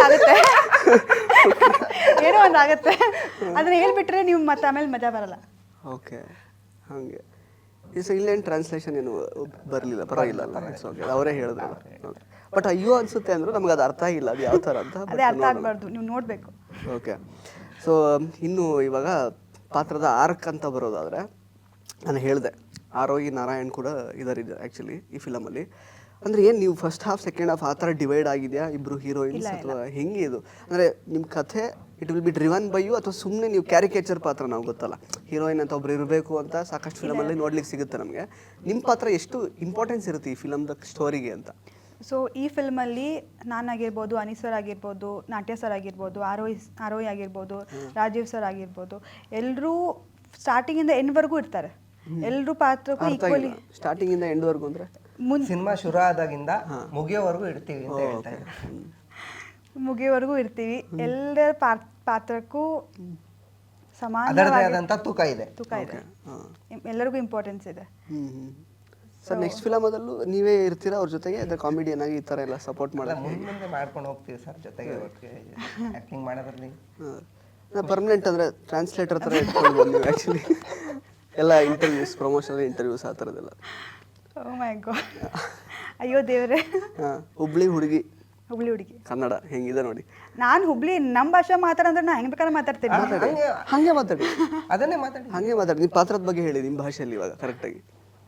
[SPEAKER 3] ಆಗುತ್ತೆ. ಅದನ್ನ ಹೇಳ್ಬಿಟ್ರೆ ನೀವು ಮತ್ತೆ ಆಮೇಲೆ ಮಜಾ ಬರಲ್ಲ.
[SPEAKER 2] ಓಕೆ, ಹಾಗೆ ಇಲ್ಲೇನು ಟ್ರಾನ್ಸ್ಲೇಷನ್ ಏನು ಬರಲಿಲ್ಲ, ಪರವಾಗಿಲ್ಲ ಅಲ್ಲ, ಇಟ್ಸ್ ಓಕೆ, ಅವರೇ ಹೇಳಿದ್ರು. ಬಟ್ ಅಯ್ಯೋ ಅನ್ಸುತ್ತೆ ಅಂದ್ರು, ನಮ್ಗೆ ಅದು ಅರ್ಥ ಆಗಿಲ್ಲ ಅದು ಯಾವ ಥರ ಅಂತ.
[SPEAKER 3] ಅದೇ ಅರ್ಥ ಆಗಬಾರ್ದು, ನೀವು ನೋಡಬೇಕು.
[SPEAKER 2] ಓಕೆ. ಸೊ ಇನ್ನು ಇವಾಗ ಪಾತ್ರದ ಆರ್ಕ್ ಅಂತ ಬರೋದಾದರೆ, ನಾನು ಹೇಳಿದೆ ಆರೋಹಿ ನಾರಾಯಣ್ ಕೂಡ ಇದ್ದಾರೆ ಆ್ಯಕ್ಚುಲಿ ಈ ಫಿಲಮಲ್ಲಿ. ಅಂದರೆ ಏನು ನೀವು ಫಸ್ಟ್ ಹಾಫ್ ಸೆಕೆಂಡ್ ಹಾಫ್ ಆ ಥರ ಡಿವೈಡ್ ಆಗಿದೆಯಾ ಇಬ್ಬರು ಹೀರೋಯಿನ್ಸ್, ಅಥವಾ ಹೆಂಗೆ ಇದು? ಅಂದರೆ ನಿಮ್ಮ ಕಥೆ it will be driven by you, ಅಥವಾ ಸುಮ್ಮನೆ ನೀವು ಕ್ಯಾರಿಕೇಚರ್ ಪಾತ್ರ, ನಾವು ಗೊತ್ತಲ್ಲ ಹೀರೋಯಿನ್ ಅಂತ ಒಬ್ರು ಇರಬೇಕು ಅಂತ ಸಾಕಷ್ಟು ಫಿಲಮಲ್ಲಿ ನೋಡ್ಲಿಕ್ಕೆ ಸಿಗುತ್ತೆ ನಮಗೆ. ನಿಮ್ಮ ಪಾತ್ರ ಎಷ್ಟು ಇಂಪಾರ್ಟೆನ್ಸ್ ಇರುತ್ತೆ ಈ ಫಿಲಮ್ದ ಸ್ಟೋರಿಗೆ ಅಂತ?
[SPEAKER 3] ಸೊ ಈ ಫಿಲ್ಮಲ್ಲಿ ನಾನಾಗಿರ್ಬೋದು, ಅನೀಸ್ ಸರ್ ಆಗಿರ್ಬೋದು, ನಾಟ್ಯ ಸರ್ ಆಗಿರ್ಬೋದು, ಆರೋಹಿ ಆಗಿರ್ಬೋದು, ರಾಜೀವ್ ಸರ್ ಆಗಿರ್ಬೋದು, ಎಲ್ಲರೂ ಸ್ಟಾರ್ಟಿಂಗಿಂದ ಎಂಡ್ವರೆಗೂ ಇರ್ತಾರೆ. ಎಲ್ಲರೂ ಪಾತ್ರಕ್ಕೂ ಈಕ್ವಲಿ.
[SPEAKER 2] ಸ್ಟಾರ್ಟಿಂಗಿಂದ ಎಂಡ್ವರೆಗೂ ಅಂದರೆ
[SPEAKER 4] ಸಿನಿಮಾ ಶುರು ಆದಾಗಿಂದ ಮುಗಿಯೋವರೆಗೂ ಇರ್ತೀವಿ ಅಂತ ಹೇಳ್ತಾ ಇದ್ದಾರೆ.
[SPEAKER 3] ಮುಗಿಯೋವರೆಗೂ ಇರ್ತೀವಿ. ಎಲ್ಲರ ಪಾತ್ರಕ್ಕೂ ಸಮಾನ
[SPEAKER 4] ಅದರದೇ ಆದಂಥ ತೂಕ ಇದೆ.
[SPEAKER 3] ಎಲ್ಲರಿಗೂ ಇಂಪಾರ್ಟೆನ್ಸ್ ಇದೆ.
[SPEAKER 2] ಸರ್ ನೆಕ್ಸ್ಟ್ ಫಿಲಮದಲ್ಲೂ ನೀವೇ ಇರ್ತೀರಾ ಅವ್ರ ಜೊತೆಗೆ, ಅದೇ ಕಾಮಿಡಿಯನ್ ಆಗಿ ಈ ಥರ ಎಲ್ಲ ಸಪೋರ್ಟ್ ಮಾಡೋದು?
[SPEAKER 4] ಮುಂದೆ ಮಾಡ್ಕೊಂಡು ಹೋಗ್ತೀವಿ ಸರ್ ಜೊತೆಗೆ ಆ್ಯಕ್ಟಿಂಗ್ ಮಾಡೋದ್ರಲ್ಲಿ.
[SPEAKER 2] ಪರ್ಮನೆಂಟ್ ಅಂದರೆ ಟ್ರಾನ್ಸ್ಲೇಟರ್ ಥರ ಇಟ್ಕೊಳ್ಬೋದು ನೀವು ಆ್ಯಕ್ಚುಲಿ, ಎಲ್ಲ ಇಂಟರ್ವ್ಯೂಸ್, ಪ್ರಮೋಷನಲ್ ಇಂಟರ್ವ್ಯೂಸ್ ಆ ಥರದ್ದೆಲ್ಲ.
[SPEAKER 3] ಓ ಮೈ ಗಾಡ್, ಅಯ್ಯೋ ದೇವರೇ.
[SPEAKER 2] ಹುಬ್ಳಿ ಹುಡುಗಿ ಕನ್ನಡ ಹೆಂಗಿದೆ ನೋಡಿ.
[SPEAKER 3] ನಾನು ಹುಬ್ಳಿ ನಮ್ಮ ಭಾಷೆ ಮಾತಾಡಂದ್ರೆ ನಾ ಹೆಂಗೆ ಬೇಕಾದ್ರೆ ಮಾತಾಡ್ತೀನಿ.
[SPEAKER 2] ಹಾಗೆ ಮಾತಾಡಿ,
[SPEAKER 4] ಅದನ್ನೇ ಮಾತಾಡಿ,
[SPEAKER 2] ಹಾಗೆ ಮಾತಾಡಿ. ನಿಮ್ಮ ಪಾತ್ರದ ಬಗ್ಗೆ ಹೇಳಿ ನಿಮ್ಮ ಭಾಷೆಯಲ್ಲಿ ಇವಾಗ ಕರೆಕ್ಟಾಗಿ.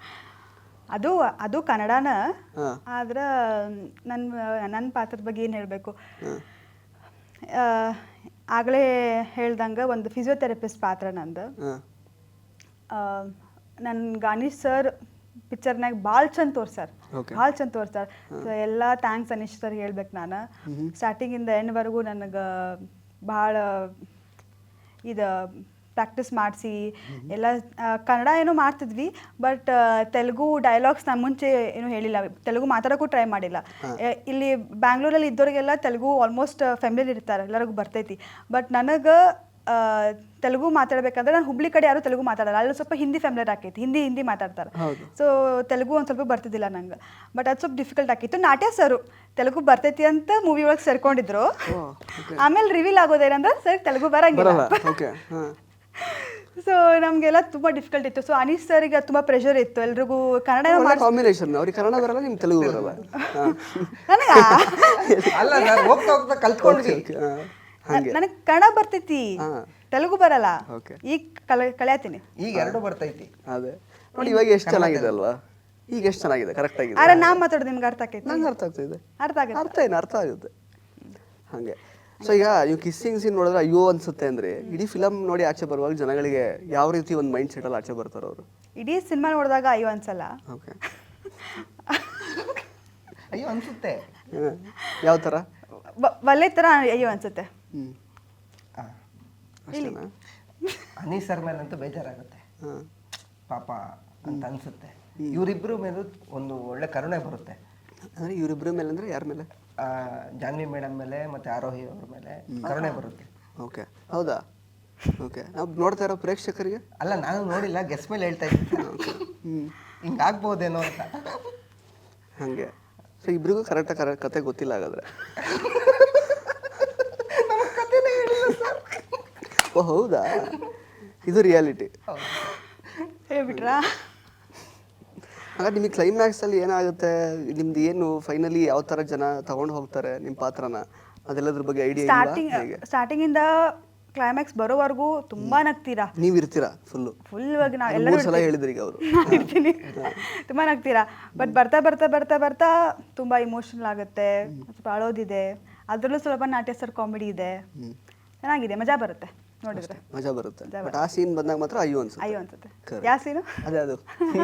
[SPEAKER 3] ಅದು ಕನ್ನಡನ, ಆದ್ರೆ ನನ್ನ ಪಾತ್ರದ ಬಗ್ಗೆ ಏನು ಹೇಳಬೇಕು, ಆಗಲೇ ಹೇಳ್ದಂಗೆ ಒಂದು ಫಿಸಿಯೋಥೆರಪಿಸ್ಟ್ ಪಾತ್ರ ನಂದು. ನನ್ಗೆ ಅನೀಶ್ ಸರ್ ಪಿಕ್ಚರ್ನಾಗ ಭಾಳ ಚಂದ ತೋರ್ಸಾರ, ಭಾಳ ಚಂದ ತೋರ್ಸಾರ. ಸೊ ಎಲ್ಲ ಥ್ಯಾಂಕ್ಸ್ ಅನೀಶ್ ಸರ್ ಹೇಳ್ಬೇಕು ನಾನು. ಸ್ಟಾರ್ಟಿಂಗಿಂದ ಎಂಡ್ವರೆಗೂ ನನಗೆ ಭಾಳ ಇದು ಪ್ರಾಕ್ಟೀಸ್ ಮಾಡಿಸಿ ಎಲ್ಲ. ಕನ್ನಡ ಏನೋ ಮಾಡ್ತಿದ್ವಿ, ಬಟ್ ತೆಲುಗು ಡೈಲಾಗ್ಸ್ ನಾನು ಮುಂಚೆ ಏನೂ ಹೇಳಿಲ್ಲ, ತೆಲುಗು ಮಾತಾಡೋಕ್ಕೂ ಟ್ರೈ ಮಾಡಿಲ್ಲ. ಇಲ್ಲಿ ಬ್ಯಾಂಗ್ಳೂರಲ್ಲಿ ಇದ್ದವ್ರಿಗೆಲ್ಲ ತೆಲುಗು ಆಲ್ಮೋಸ್ಟ್ ಫ್ಯಾಮಿಲಿ ಇರ್ತಾರೆ, ಎಲ್ಲರಿಗೂ ಬರ್ತೈತಿ. ಬಟ್ ನನಗೆ ತೆಲುಗು ಮಾತಾಡ್ಬೇಕಂದ್ರೆ ನಾನು ಹುಬ್ಳಿ ಕಡೆ ಯಾರು ತೆಲುಗು ಮಾತಾಡಲ್ಲ, ಅಲ್ಲಿ ಸ್ವಲ್ಪ ಹಿಂದಿ ಫ್ಯಾಮಿಲಿಯರ್ ಆಕೈತಿ, ಹಿಂದಿ ಮಾತಾಡ್ತಾರೆ. ಸೊ ತೆಲುಗು ಒಂದು ಸ್ವಲ್ಪ ಬರ್ತಿದ್ದಿಲ್ಲ ನಂಗೆ, ಬಟ್ ಅದು ಸ್ವಲ್ಪ ಡಿಫಿಕಲ್ಟ್ ಆಕಿತ್ತು. ನಾಟ್ಯ ಸರು ತೆಲುಗು ಬರ್ತೈತಿ ಅಂತ ಮೂವಿ ಒಳಗೆ ಸೇರ್ಕೊಂಡಿದ್ರು. ಆಮೇಲೆ ರಿವೀಲ್ ಆಗೋದೇನಂದ್ರೆ ಸರ್ ತೆಲುಗು ಬರಂಗಿಲ್ಲ. ಸೊ ನಮಗೆಲ್ಲ ತುಂಬ ಡಿಫಿಕಲ್ಟ್ ಇತ್ತು. ಸೊ ಅನೀಶ್ ಸರ್ಗೆ ತುಂಬ ಪ್ರೆಷರ್ ಇತ್ತು, ಎಲ್ರಿಗೂ ಕನ್ನಡ
[SPEAKER 2] ಕಾಂಬಿನೇಷನ್. ಅವ್ರಿಗೆ ಕನ್ನಡ ಬರಲ್ಲ, ನಿಮ್ಗೆ ತೆಲುಗು ಬರಲ್ಲ.
[SPEAKER 3] ನನಗೆ ಕನ್ನಡ ಬರ್ತೈತಿ, ತೆಲುಗು ಬರಲ್ಲ. ಈಗ ಕಲಿಯತ್ತೀನಿ,
[SPEAKER 4] ಈಗ ಎರಡು ಬರ್ತೈತಿ.
[SPEAKER 2] ಅದೇ ನೋಡಿ ಇವಾಗ ಎಷ್ಟು ಚೆನ್ನಾಗಿದೆ ಅಲ್ವಾ, ಈಗ ಎಷ್ಟು ಚೆನ್ನಾಗಿದೆ, ಕರೆಕ್ಟ್ ಆಗಿದೆ.
[SPEAKER 3] ಆದ್ರೆ ನಾ ಮಾತಾಡೋದು ನಿಮ್ಗೆ ಅರ್ಥ ಆಕೈತಿ?
[SPEAKER 2] ನಂಗೆ ಅರ್ಥ ಆಗ್ತಿದೆ, ಅರ್ಥ ಆಗುತ್ತೆ ಹಾಗೆ. ಸೊ ಈಗ ನೀವು ಕಿಸ್ಸಿಂಗ್ ಸೀನ್ ನೋಡಿದ್ರೆ ಅಯ್ಯೋ ಅನ್ಸುತ್ತೆ ಅಂದ್ರೆ, ಇಡೀ ಫಿಲಮ್ ನೋಡಿ ಆಚೆ ಬರುವಾಗ ಜನಗಳಿಗೆ ಯಾವ ರೀತಿ ಒಂದು ಮೈಂಡ್ ಸೆಟ್ ಅಲ್ಲಿ ಆಚೆ ಬರ್ತಾರೆ ಅವರು?
[SPEAKER 3] ಇಡೀ ಸಿನಿಮಾ ನೋಡಿದಾಗ ಅಯ್ಯೋ ಅನ್ಸಲ್ಲ.
[SPEAKER 2] ಓಕೆ,
[SPEAKER 4] ಅಯ್ಯೋ ಅನ್ಸುತ್ತೆ.
[SPEAKER 2] ಯಾವ ಥರ?
[SPEAKER 3] ಒಳ್ಳೆ ಥರ ಅಯ್ಯೋ ಅನ್ಸುತ್ತೆ.
[SPEAKER 4] ಅನೀಸ್ ಸರ್ ಮೇಲಂತೂ ಬೇಜಾರಾಗುತ್ತೆ, ಪಾಪ ಅಂತ ಅನ್ಸುತ್ತೆ. ಇವರಿಬ್ಬರ ಮೇಲೂ ಒಂದು ಒಳ್ಳೆ ಕರುಣೆ ಬರುತ್ತೆ.
[SPEAKER 2] ಅಂದರೆ ಇವರಿಬ್ಬರ ಮೇಲೆ ಅಂದರೆ ಯಾರ ಮೇಲೆ?
[SPEAKER 4] ಜಾನ್ವಿ ಮೇಡಮ್ ಮೇಲೆ ಮತ್ತೆ ಆರೋಹಿ ಅವ್ರ ಮೇಲೆ ಕರುಣೆ ಬರುತ್ತೆ.
[SPEAKER 2] ಓಕೆ, ಹೌದಾ? ಓಕೆ, ನಾವು ನೋಡ್ತಾ ಇರೋ ಪ್ರೇಕ್ಷಕರಿಗೆ
[SPEAKER 4] ಅಲ್ಲ, ನಾನು ನೋಡಿಲ್ಲ, ಗೆಸ್ ಮೇಲೆ ಹೇಳ್ತಾ ಇದ್ದೀನಿ ಹಿಂಗಾಗ್ಬೋದೇನೋ ಅಂತ.
[SPEAKER 2] ಹಾಗೆ. ಸೊ ಇಬ್ರಿಗೂ ಕರೆಕ್ಟಾಗಿ ಕತೆ ಗೊತ್ತಿಲ್ಲ ಹಾಗಾದ್ರೆ. ಓ ಹೌದಾ, ಇದು ರಿಯಾಲಿಟಿ
[SPEAKER 3] ಹೇಳ್ಬಿಟ್ರಾ?
[SPEAKER 2] ಹಾಗಾದ್ರೆ ನಿಮಗೆ ಕ್ಲೈಮ್ಯಾಕ್ಸಲ್ಲಿ ಏನಾಗುತ್ತೆ, ನಿಮ್ದು ಏನು ಫೈನಲಿ ಯಾವ ಥರ ಜನ ತಗೊಂಡು ಹೋಗ್ತಾರೆ ನಿಮ್ಮ ಪಾತ್ರನ, ಅದೆಲ್ಲದ್ರ ಬಗ್ಗೆ ಐಡಿಯಾ ಇಲ್ಲ?
[SPEAKER 3] ಸ್ಟಾರ್ಟಿಂಗಿಂದ ಕ್ಲೈಮ್ಯಾಕ್ಸ್ ಬರೋವರೆಗೂ ತುಂಬಾ ನಗ್ತೀರಾ,
[SPEAKER 2] ನೀವು ಇರ್ತೀರಾ ಫುಲ್
[SPEAKER 3] ನಾವು ಎಲ್ಲರೂ
[SPEAKER 2] ಸಲ ಹೇಳಿದ್ರಿ ಈಗ ಅವರು.
[SPEAKER 3] ಇರ್ತೀನಿ, ತುಂಬಾ ನಗ್ತೀರಾ. ಬಟ್ ಬರ್ತಾ ಬರ್ತಾ ಬರ್ತಾ ಬರ್ತಾ ತುಂಬಾ ಇಮೋಷನಲ್ ಆಗುತ್ತೆ, ಸ್ವಲ್ಪ ಅಳೋದಿದೆ, ಅದರಲ್ಲೂ ಸ್ವಲ್ಪ ನಾಟ್ಯ ಸರ್ ಕಾಮಿಡಿ ಇದೆ, ಚೆನ್ನಾಗಿದೆ, ಮಜಾ ಬರುತ್ತೆ ನೋಡಿದ್ರೆ,
[SPEAKER 2] ಮಜಾ ಬರುತ್ತೆ. ಬಟ್ ಆ ಸೀನ್ ಬಂದಾಗ ಮಾತ್ರ ಅಯ್ಯೋ
[SPEAKER 3] ಅನ್ಸುತ್ತೆ. ಯಾವ ಸೀನು?
[SPEAKER 2] ಅದೇ ಅದು.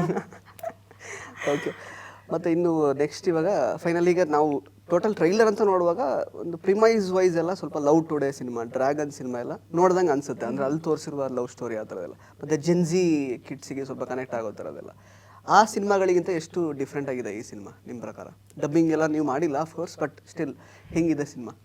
[SPEAKER 2] ಓಕೆ, ಮತ್ತು ಇನ್ನು ನೆಕ್ಸ್ಟ್ ಇವಾಗ ಫೈನಲ್ ಈಗ ನಾವು ಟೋಟಲ್ ಟ್ರೈಲರ್ ಅಂತ ನೋಡುವಾಗ ಒಂದು ಪ್ರಿಮೈಸ್ ವೈಸ್ ಎಲ್ಲ ಸ್ವಲ್ಪ love today cinema, dragon cinema ಎಲ್ಲ ನೋಡ್ದಂಗೆ ಅನ್ಸುತ್ತೆ. ಅಂದರೆ ಅಲ್ಲಿ ತೋರಿಸಿರುವ ಲವ್ ಸ್ಟೋರಿ ಆ ಥರದೆಲ್ಲ, ಮತ್ತು ಜೆನ್ಜಿ ಕಿಡ್ಸಿಗೆ ಸ್ವಲ್ಪ ಕನೆಕ್ಟ್ ಆಗೋ ಥರದೆಲ್ಲ. ಆ ಸಿನಿಮಾಗಳಿಗಿಂತ ಎಷ್ಟು ಡಿಫ್ರೆಂಟ್ ಆಗಿದೆ ಈ ಸಿನಿಮಾ ನಿಮ್ಮ ಪ್ರಕಾರ? ಡಬ್ಬಿಂಗ್ ಎಲ್ಲ ನೀವು ಮಾಡಿಲ್ಲ ಆಫ್ಕೋರ್ಸ್, ಬಟ್ ಸ್ಟಿಲ್ ಹೆಂಗಿದೆ ಸಿನಿಮಾ?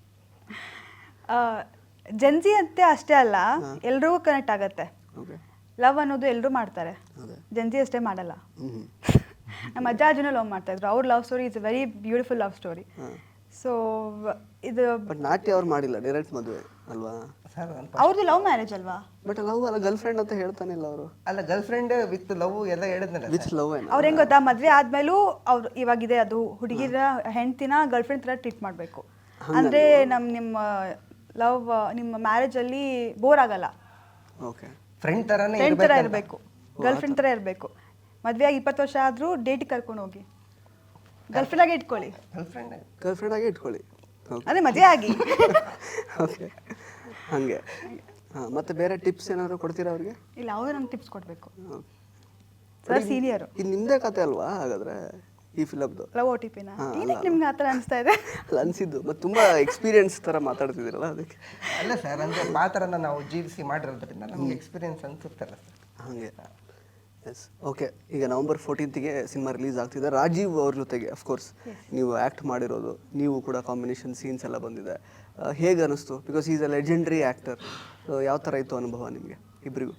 [SPEAKER 3] ಜೆನ್ಜಿ ಅಂತೆ ಅಷ್ಟೇ ಅಲ್ಲ, ಎಲ್ರಿಗೂ ಕನೆಕ್ಟ್ ಆಗತ್ತೆ. ಲವ್ ಅನ್ನೋದು ಎಲ್ಲರೂ ಮಾಡ್ತಾರೆ, ಜೆನ್ಜಿ ಅಷ್ಟೇ ಮಾಡಲ್ಲ. ನಮ್ಮ ಅಜ್ಜ ಅಜ್ಜನೂ ಲವ್ ಮಾಡ್ತಾ ಇದ್ರು, ಅವ್ರ love story is very beautiful love story. So ಇದು
[SPEAKER 2] ಬಟ್ ನಾಟ್ಯ ಅವ್ರು ಮಾಡಿಲ್ಲ, ಡೈರೆಕ್ಟ್ ಮದುವೆ ಅಲ್ವಾ?
[SPEAKER 4] ಸರ್
[SPEAKER 3] ಅವ್ರದ್ದು ಲವ್ ಮ್ಯಾರೇಜ್ ಅಲ್ವಾ?
[SPEAKER 2] ಬಟ್ ಲವ್ ಅಲ್ಲ, ಗರ್ಲ್ ಫ್ರೆಂಡ್ ಅಂತ ಹೇಳ್ತಾನೆ ಇಲ್ಲ ಅವರು.
[SPEAKER 4] ಅಲ್ಲ, ಗರ್ಲ್ ಫ್ರೆಂಡ್ ವಿತ್ ಲವ್ ಎಲ್ಲ ಹೇಳಿದ್ನಲ್ಲ.
[SPEAKER 2] ವಿತ್ ಲವ್ ಏನು?
[SPEAKER 3] ಅವ್ರು ಹೆಂಗ್ ಗೊತ್ತಾ, ಮದ್ವೆ ಆದ್ಮೇಲೂ ಅವ್ರು ಇವಾಗಿದೆ ಅದು ಹುಡುಗಿರ ಹೆಂಡ್ತಿನ ಗರ್ಲ್ ಫ್ರೆಂಡ್ ತರ ಟ್ರೀಟ್ ಮಾಡಬೇಕು. ಅಂದ್ರೆ ನಿಮ್ಮ ಲವ್ ನಿಮ್ಮ ಮ್ಯಾರೇಜ್ ಅಲ್ಲಿ ಬೋರ್ ಆಗಲ್ಲ.
[SPEAKER 2] ಓಕೆ,
[SPEAKER 4] ಫ್ರೆಂಡ್ ತರಾನೇ
[SPEAKER 3] ಫ್ರೆಂಡ್ ತರ ಇರಬೇಕು, ಗರ್ಲ್ ಫ್ರೆಂಡ್ ತರ ಇರಬೇಕು. ಮದ್ವೆ ಆಗಿ 20 ವರ್ಷ ಆದ್ರೂ ಡೇಟ್ ಕರ್ಕೊಂಡು ಹೋಗಿ ಗರ್ಲ್ ಫ್ರೆಂಡ್ ಆಗಿ ಇಟ್ಕೊಳ್ಳಿ.
[SPEAKER 2] ಗರ್ಲ್ ಫ್ರೆಂಡ್ ಆಗಿ ಇಟ್ಕೊಳ್ಳಿ.
[SPEAKER 3] ಅದೇ ಮದುವೆ ಆಗಿ.
[SPEAKER 2] ಓಕೆ, ಹಾಗೆ. ಹಾಂ, ಮತ್ತೆ ಬೇರೆ ಟಿಪ್ಸ್ ಏನಾದ್ರು ಕೊಡ್ತೀರಾ ಅವ್ರಿಗೆ?
[SPEAKER 3] ಇಲ್ಲ, ಅವ್ರು ನಂಗೆ ಟಿಪ್ಸ್ ಕೊಡಬೇಕು. Sir senior.
[SPEAKER 2] ಇದು ನಿಮ್ಮದೇ ಕತೆ ಅಲ್ವಾ ಹಾಗಾದ್ರೆ ಈ ಫಿಲಮ್ದು?
[SPEAKER 3] ಲವ್ OTPನ ಏನಕ್ಕೆ ನಿಮ್ಗೆ ಆ ಥರ ಅನಿಸ್ತಾ ಇದೆ?
[SPEAKER 2] ಅಲ್ಲ, ಅನಿಸಿದ್ದು ಮತ್ತು ತುಂಬ ಎಕ್ಸ್ಪೀರಿಯನ್ಸ್ ಥರ ಮಾತಾಡ್ತಿದ್ದೀರಲ್ಲ ಅದಕ್ಕೆ.
[SPEAKER 4] ಅಲ್ಲ ಸರ್, ಅಂದರೆ ಪಾತ್ರನ ನಾವು ಜೀವಿಸಿ ಮಾಡಿರೋದ್ರಿಂದ ನಮ್ಗೆ ಎಕ್ಸ್ಪೀರಿಯನ್ಸ್ ಅನ್ಸುತ್ತಲ್ಲ ಸರ್.
[SPEAKER 2] ಹಾಗೆ. Yes, okay. ಈಗ ನವಂಬರ್ 14ಗೆ ಸಿನಿಮಾ ರಿಲೀಸ್ ಆಗ್ತಿದೆ. ರಾಜೀವ್ ಅವ್ರ ಜೊತೆಗೆ ಅಫ್ಕೋರ್ಸ್ ನೀವು ಆ್ಯಕ್ಟ್ ಮಾಡಿರೋದು, ನೀವು ಕೂಡ ಕಾಂಬಿನೇಷನ್ ಸೀನ್ಸ್ ಎಲ್ಲ ಬಂದಿದೆ. ಹೇಗೆ ಅನ್ನಿಸ್ತು? Because is a legendary actor. ಯಾವ ಥರ ಇತ್ತು ಅನುಭವ ನಿಮಗೆ ಇಬ್ಬರಿಗೂ?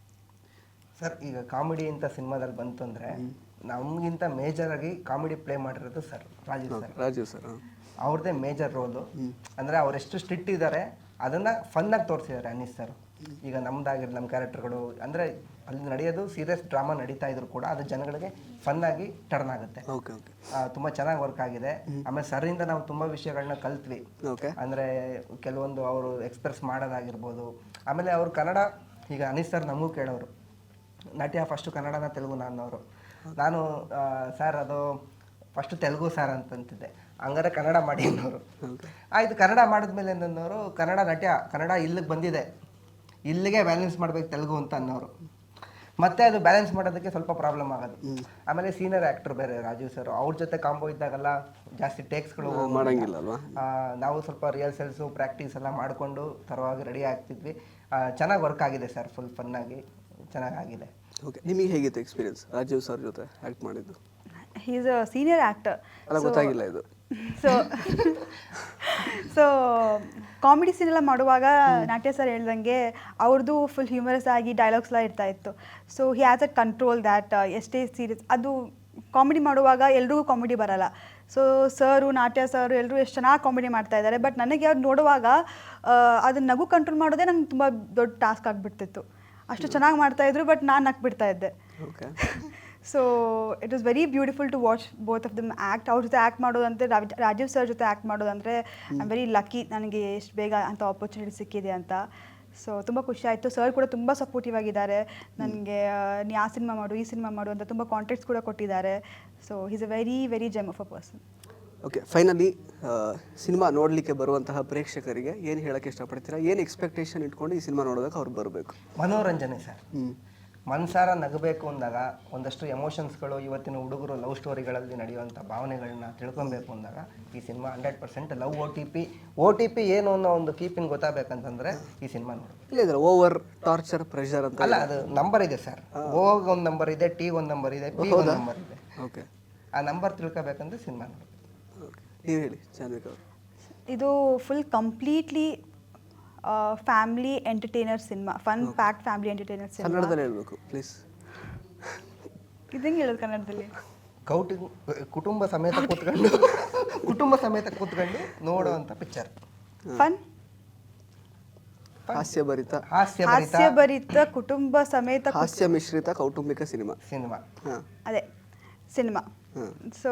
[SPEAKER 4] ಸರ್, ಈಗ ಕಾಮಿಡಿ ಅಂತ ಸಿನಿಮಾದಲ್ಲಿ ಬಂತು ಅಂದರೆ ನಮಗಿಂತ ಮೇಜರ್ ಆಗಿ ಕಾಮಿಡಿ ಪ್ಲೇ ಮಾಡಿರೋದು ಸರ್ ರಾಜೀವ್ ಸರ್. ಅವ್ರದ್ದೇ ಮೇಜರ್ ರೋಲು. ಅಂದರೆ ಅವರೆಷ್ಟು ಸ್ಟ್ರಿಕ್ಟ್ ಇದ್ದಾರೆ ಅದನ್ನು ಫನ್ನಾಗಿ ತೋರಿಸಿದ್ದಾರೆ ಅನೀಸ್ ಸರ್. ಈಗ ನಮ್ದಾಗಿರೋ ನಮ್ಮ ಕ್ಯಾರೆಕ್ಟರ್ಗಳು ಅಂದರೆ ಅಲ್ಲಿ ನಡೆಯೋದು ಸೀರಿಯಸ್ ಡ್ರಾಮಾ ನಡೀತಾ ಇದ್ರು ಕೂಡ ಅದು ಜನಗಳಿಗೆ ಫನ್ನಾಗಿ ಟರ್ನ್ ಆಗುತ್ತೆ.
[SPEAKER 2] ಓಕೆ ಓಕೆ,
[SPEAKER 4] ತುಂಬ ಚೆನ್ನಾಗಿ ವರ್ಕ್ ಆಗಿದೆ. ಆಮೇಲೆ ಸರಿಂದ ನಾವು ತುಂಬ ವಿಷಯಗಳನ್ನ ಕಲ್ತ್ವಿ.
[SPEAKER 2] ಓಕೆ,
[SPEAKER 4] ಅಂದರೆ ಕೆಲವೊಂದು ಅವರು ಎಕ್ಸ್ಪ್ರೆಸ್ ಮಾಡೋದಾಗಿರ್ಬೋದು. ಆಮೇಲೆ ಅವರು ಕನ್ನಡ, ಈಗ ಅನೀಸ್ ಸರ್ ನಮಗೂ ಕೇಳೋರು ನಾಟ್ಯ ಫಸ್ಟು ಕನ್ನಡನ ತೆಲುಗು ನಾನು ಸರ್ ಅದು ಫಸ್ಟು ತೆಲುಗು ಸರ್ ಅಂತಂತಿದ್ದೆ, ಹಂಗಾರೆ ಕನ್ನಡ ಮಾಡಿ ಅನ್ನೋರು. ಆಯಿತು, ಕನ್ನಡ ಮಾಡಿದ್ಮೇಲೆ ಅನ್ನೋರು ಕನ್ನಡ ಇಲ್ಲಿಗೆ ಬಂದಿದೆ, ಇಲ್ಲಿಗೆ ಬ್ಯಾಲೆನ್ಸ್ ಮಾಡ್ಬೇಕು ತೆಲುಗು ಅಂತ ಅನ್ನೋರು. ಮತ್ತೆ ಅದು ಬ್ಯಾಲೆನ್ಸ್ ಮಾಡೋದಕ್ಕೆ ಸ್ವಲ್ಪ ಪ್ರಾಬ್ಲಮ್ ಆಗೋದು. ಆಮೇಲೆ ಸೀನಿಯರ್ ಆ್ಯಕ್ಟರ್ ಬೇರೆ ರಾಜೀವ್ ಸರ್, ಅವ್ರ ಜೊತೆ ಕಾಂಬೋ ಇದ್ದಾಗೆಲ್ಲ ಜಾಸ್ತಿ ಟೇಕ್ಸ್ಗಳು
[SPEAKER 2] ಮಾಡೋಂಗಿಲ್ಲ ಅಲ್ವಾ?
[SPEAKER 4] ನಾವು ಸ್ವಲ್ಪ ರಿಹರ್ಸಲ್ಸು ಪ್ರಾಕ್ಟೀಸ್ ಎಲ್ಲ ಮಾಡಿಕೊಂಡು ತರವಾಗಿ ರೆಡಿ ಆಗ್ತಿದ್ವಿ. ಚೆನ್ನಾಗಿ ವರ್ಕ್ ಆಗಿದೆ ಸರ್, ಫುಲ್ ಫನ್ನಾಗಿ ಚೆನ್ನಾಗಾಗಿದೆ.
[SPEAKER 2] ಓಕೆ, ನಿಮಗೆ ಹೇಗಿತ್ತು ಎಕ್ಸ್ಪೀರಿಯನ್ಸ್ ರಾಜೀವ್ ಸರ್ ಜೊತೆ ಆ್ಯಕ್ಟ್ ಮಾಡಿದ್ದು?
[SPEAKER 3] He is a senior actor.
[SPEAKER 2] ಅಲ್ಲ, ಗೊತ್ತಾಗಿಲ್ಲ ಇದು.
[SPEAKER 3] ಸೊ ಕಾಮಿಡಿ ಸೀನ್ ಎಲ್ಲ ಮಾಡುವಾಗ ನಾಟ್ಯ ಸರ್ ಹೇಳ್ದಂಗೆ ಅವ್ರದ್ದು ಫುಲ್ ಹ್ಯೂಮರಸ್ ಆಗಿ ಡೈಲಾಗ್ಸ್ ಎಲ್ಲ ಇರ್ತಾ ಇತ್ತು. So he has a control that ಎಷ್ಟೇ ಸೀರಿಯಸ್ ಅದು ಕಾಮಿಡಿ ಮಾಡುವಾಗ ಎಲ್ರಿಗೂ ಕಾಮಿಡಿ ಬರಲ್ಲ. ಸೊ ಸರು ನಾಟ್ಯ ಸರು ಎಲ್ಲರೂ ಎಷ್ಟು ಚೆನ್ನಾಗಿ ಕಾಮಿಡಿ ಮಾಡ್ತಾ ಇದ್ದಾರೆ. ಬಟ್ ನನಗೆ ಅವ್ರು ನೋಡುವಾಗ ಅದನ್ನ ನಗು ಕಂಟ್ರೋಲ್ ಮಾಡೋದೇ ನಂಗೆ ತುಂಬ ದೊಡ್ಡ ಟಾಸ್ಕ್ ಆಗಿಬಿಡ್ತಿತ್ತು. ಅಷ್ಟು ಚೆನ್ನಾಗಿ ಮಾಡ್ತಾಯಿದ್ರು, ಬಟ್ ನಾನು ನಕ್ಬಿಡ್ತಾ ಇದ್ದೆ. So it was very beautiful to watch both of them act. ಅವ್ರ ಜೊತೆ ಆ್ಯಕ್ಟ್ ಮಾಡೋದಂದರೆ ರಾಜೀವ್ ಸರ್ ಜೊತೆ ಆ್ಯಕ್ಟ್ ಮಾಡೋದಂದರೆ ಐ ಆಮ್ ವೆರಿ ಲಕ್ಕಿ, ನನಗೆ ಎಷ್ಟು ಬೇಗ ಅಂತ ಆಪರ್ಚುನಿಟಿ ಸಿಕ್ಕಿದೆ ಅಂತ. ಸೊ ತುಂಬ ಖುಷಿ ಆಯಿತು. ಸರ್ ಕೂಡ ತುಂಬ ಸಪೋರ್ಟಿವ್ ಆಗಿದ್ದಾರೆ ನನಗೆ. ನೀ ಆ ಸಿನಿಮಾ ಮಾಡು, ಈ ಸಿನಿಮಾ ಮಾಡು ಅಂತ ತುಂಬ ಕಾಂಟ್ಯಾಕ್ಟ್ಸ್ ಕೂಡ ಕೊಟ್ಟಿದ್ದಾರೆ. So is a very very gem of a person.
[SPEAKER 2] Okay, finally cinema ನೋಡಲಿಕ್ಕೆ ಬರುವಂತಹ ಪ್ರೇಕ್ಷಕರಿಗೆ ಏನು ಹೇಳೋಕ್ಕೆ ಇಷ್ಟಪಡ್ತೀರಾ? ಏನು ಎಕ್ಸ್ಪೆಕ್ಟೇಷನ್ ಇಟ್ಕೊಂಡು ಈ ಸಿನಿಮಾ ನೋಡೋದಕ್ಕೆ ಅವ್ರು ಬರಬೇಕು?
[SPEAKER 4] ಮನೋರಂಜನೆ ಸರ್. ಮನಸಾರ ನಗಬೇಕು ಅಂದಾಗ, ಒಂದಷ್ಟು ಎಮೋಷನ್ಸ್ಗಳು ಇವತ್ತಿನ ಹುಡುಗರು ಲವ್ ಸ್ಟೋರಿಗಳಲ್ಲಿ ನಡೆಯುವಂಥ ಭಾವನೆಗಳನ್ನ ತಿಳ್ಕೊಬೇಕು ಅಂದಾಗ ಈ ಸಿನಿಮಾ 100% ಲವ್ OTP ಏನು ಅನ್ನೋ ಒಂದು ಕೀಪಿಂಗ್ ಗೊತ್ತಾಗಬೇಕಂತಂದ್ರೆ ಈ ಸಿನಿಮಾ ನೋಡಬೇಕು.
[SPEAKER 2] ಇಲ್ಲ, ಓವರ್ ಟಾರ್ಚರ್ ಪ್ರೆಷರ್ ಅಂತ
[SPEAKER 4] ಅಲ್ಲ, ಅದು ನಂಬರ್ ಇದೆ ಸರ್. ಓಗೆ ಒಂದು ನಂಬರ್ ಇದೆ, ಟಿ ಒಂದು ನಂಬರ್ ಇದೆ, ಪಿ ಒಂದು ನಂಬರ್ ಇದೆ.
[SPEAKER 2] ಓಕೆ, ಆ
[SPEAKER 4] ನಂಬರ್ ತಿಳ್ಕೊಬೇಕಂದ್ರೆ ಸಿನಿಮಾ ನೋಡಬೇಕು.
[SPEAKER 2] ಓಕೆ, ನೀವು ಹೇಳಿ ಜಾನ್ವಿಕ್ ಅವರು.
[SPEAKER 3] ಇದು full completely family entertainer cinema, fun packed family entertainer cinema.
[SPEAKER 2] ಕನ್ನಡದಲ್ಲಿ ಹೇಳಬೇಕು ಪ್ಲೀಸ್.
[SPEAKER 3] ಇದಂಗೆ ಹೇಳೋದು ಕನ್ನಡದಲ್ಲಿ?
[SPEAKER 4] ಕುಟುಂಬ ಸಮೇತ ಕೂತ್ಕೊಂಡು ನೋಡುವಂಥ ಪಿಕ್ಚರ್.
[SPEAKER 3] ಫನ್,
[SPEAKER 2] ಹಾಸ್ಯಭರಿತ
[SPEAKER 3] ಕುಟುಂಬ ಸಮೇತ
[SPEAKER 2] ಹಾಸ್ಯ ಮಿಶ್ರಿತ ಕೌಟುಂಬಿಕ ಸಿನಿಮಾ.
[SPEAKER 3] ಅದೇ ಸಿನಿಮಾ. ಸೊ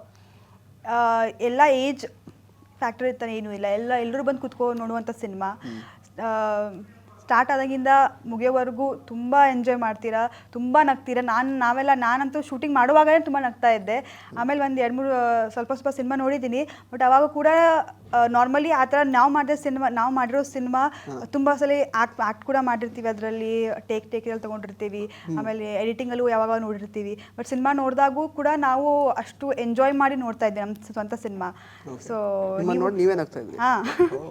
[SPEAKER 3] ಎಲ್ಲ ಏಜ್ ಫ್ಯಾಕ್ಟರ್ ಇರ್ತಾನೆ, ಏನೂ ಇಲ್ಲ, ಎಲ್ಲರೂ ಬಂದು ಕುತ್ಕೊಂಡು ನೋಡುವಂಥ ಸಿನಿಮಾ. ಸ್ಟಾರ್ಟ್ ಆದಾಗಿಂದ ಮುಗಿಯೋವರೆಗೂ ತುಂಬ ಎಂಜಾಯ್ ಮಾಡ್ತೀರಾ, ತುಂಬ ನಗ್ತೀರಾ. ನಾನಂತೂ ಶೂಟಿಂಗ್ ಮಾಡುವಾಗಲೇ ತುಂಬ ನಗ್ತಾ ಇದ್ದೆ. ಆಮೇಲೆ ಒಂದು 2-3 ಸ್ವಲ್ಪ ಸಿನಿಮಾ ನೋಡಿದ್ದೀನಿ. ಬಟ್ ಅವಾಗ ಕೂಡ ನಾರ್ಮಲಿ ಆ ಥರ ನಾವು ಮಾಡಿರೋ ಸಿನಿಮಾ ತುಂಬ ಸಲ ಆ್ಯಕ್ಟ್ ಕೂಡ ಮಾಡಿರ್ತೀವಿ, ಅದರಲ್ಲಿ ಟೇಕ್ ಎಲ್ಲ ತೊಗೊಂಡಿರ್ತೀವಿ, ಆಮೇಲೆ ಎಡಿಟಿಂಗಲ್ಲೂ ಯಾವಾಗ ನೋಡಿರ್ತೀವಿ. ಬಟ್ ಸಿನಿಮಾ ನೋಡಿದಾಗೂ ಕೂಡ ನಾವು ಅಷ್ಟು ಎಂಜಾಯ್ ಮಾಡಿ ನೋಡ್ತಾ ಇದ್ದೆ ನಮ್ಮ ಸ್ವಂತ ಸಿನಿಮಾ. ಸೊ ಹಾಂ,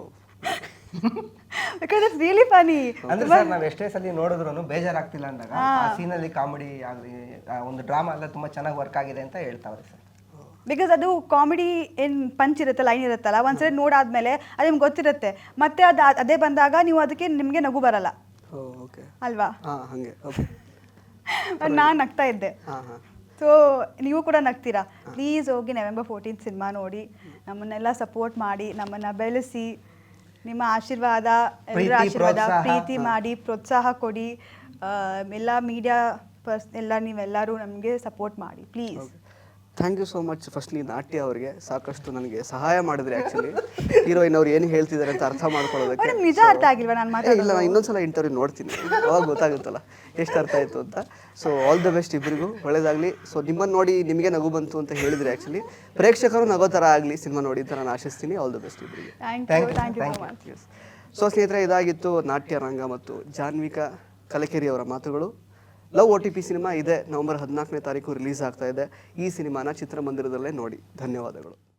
[SPEAKER 3] because it's really funny.
[SPEAKER 4] ಅಂದ್ರೆ ಸರ್ ನಾವು ಎಷ್ಟೇ ಸಲ ನೋಡಿದ್ರು ಬೇಜಾರಾಗ್ತಿಲ್ಲ ಅಂದಾಗ ಆ ಸೀನಲ್ಲಿ ಕಾಮಿಡಿ ಆಗಲಿ ಒಂದು ಡ್ರಾಮಾ ಎಲ್ಲ ತುಂಬಾ ಚೆನ್ನಾಗಿ ವರ್ಕ್ ಆಗಿದೆ ಅಂತ ಹೇಳ್ತಾವ್ರೆ ಸರ್.
[SPEAKER 3] ಬಿಕಾಸ್ ಅದು ಕಾಮಿಡಿ ಏನು ಪಂಚ್ ಇರುತ್ತೆ, ಲೈನ್ ಇರುತ್ತಲ್ಲ, ಒಂದ್ಸರಿ ನೋಡಾದ್ಮೇಲೆ ಅದು ನಿಮ್ಗೆ ಗೊತ್ತಿರುತ್ತೆ. ಮತ್ತೆ ಅದೇ ಬಂದಾಗ ನೀವು ಅದಕ್ಕೆ ನಿಮಗೆ ನಗು ಬರಲ್ಲ ಅಲ್ವಾ? ನಾನು ನಗ್ತಾ ಇದ್ದೆ. ಸೊ ನೀವು ಕೂಡ ನಗ್ತೀರಾ. ಪ್ಲೀಸ್ ಹೋಗಿ November 14th ಸಿನಿಮಾ ನೋಡಿ, ನಮ್ಮನ್ನೆಲ್ಲ ಸಪೋರ್ಟ್ ಮಾಡಿ, ನಮ್ಮನ್ನು ಬೆಳೆಸಿ. ನಿಮ್ಮ ಆಶೀರ್ವಾದ, ಎಲ್ಲರ
[SPEAKER 4] ಪ್ರೀತಿ,
[SPEAKER 3] ಆಶೀರ್ವಾದ,
[SPEAKER 4] ಪ್ರೋತ್ಸಾಹ.
[SPEAKER 3] ಪ್ರೀತಿ ಮಾಡಿ ಪ್ರೋತ್ಸಾಹ ಕೊಡಿ. ಎಲ್ಲ ಮೀಡಿಯಾ ಎಲ್ಲ ನೀವೆಲ್ಲರೂ ನಮಗೆ ಸಪೋರ್ಟ್ ಮಾಡಿ please.
[SPEAKER 2] Thank you so much. Firstly Natya ಅವರಿಗೆ ಸಾಕಷ್ಟು ನನಗೆ ಸಹಾಯ ಮಾಡಿದ್ರಿ. ಆ್ಯಕ್ಚುಲಿ ಹೀರೋಯಿನ್ ಅವ್ರು ಏನು ಹೇಳ್ತಿದ್ದಾರೆ ಅಂತ ಅರ್ಥ ಮಾಡ್ಕೊಳ್ಳೋದಕ್ಕೆ.
[SPEAKER 3] ಮೇಡಮ್ ನಿಜ ಅರ್ಥ ಆಗಿಲ್ವಾ ನಾನು
[SPEAKER 2] ಇಲ್ಲ,
[SPEAKER 3] ಮಾತಾಡೋದು?
[SPEAKER 2] ನಾನು ಇನ್ನೊಂದ್ಸಲ ಇಂಟರ್ವ್ಯೂ ನೋಡ್ತೀನಿ, ಅವಾಗ ಗೊತ್ತಾಗುತ್ತಲ್ಲ ಎಷ್ಟು ಅರ್ಥ ಆಯಿತು ಅಂತ. ಸೊ ಆಲ್ ದ ಬೆಸ್ಟ್ ಇಬ್ಬರಿಗೂ, ಒಳ್ಳೇದಾಗಲಿ. ಸೊ ನಿಮ್ಮನ್ನು ನೋಡಿ ನಿಮಗೆ ನಗು ಬಂತು ಅಂತ ಹೇಳಿದ್ರಿ. ಆ್ಯಕ್ಚುಲಿ ಪ್ರೇಕ್ಷಕರು ನಗೋ ಥರ ಆಗಲಿ ಸಿನಿಮಾ ನೋಡಿ ಅಂತ ನಾನು ಆಶಿಸ್ತೀನಿ. ಆಲ್ ದ ಬೆಸ್ಟ್ ಇಬ್ಬರಿಗೆ.
[SPEAKER 3] Thank you so much.
[SPEAKER 2] So ಸ್ನೇಹಿತರೆ, ಇದಾಗಿತ್ತು ನಾಟ್ಯ ರಂಗ ಮತ್ತು ಜಾನ್ವಿಕಾ ಕಲಕೆರೆ ಅವರ ಮಾತುಗಳು. ಲವ್ OTP ಸಿನಿಮಾ ಇದೆ, ನವೆಂಬರ್ 14ನೇ ತಾರೀಕು ರಿಲೀಸ್ ಆಗ್ತಾ ಇದೆ. ಈ ಸಿನಿಮಾನ ಚಿತ್ರಮಂದಿರದಲ್ಲೇ ನೋಡಿ. ಧನ್ಯವಾದಗಳು.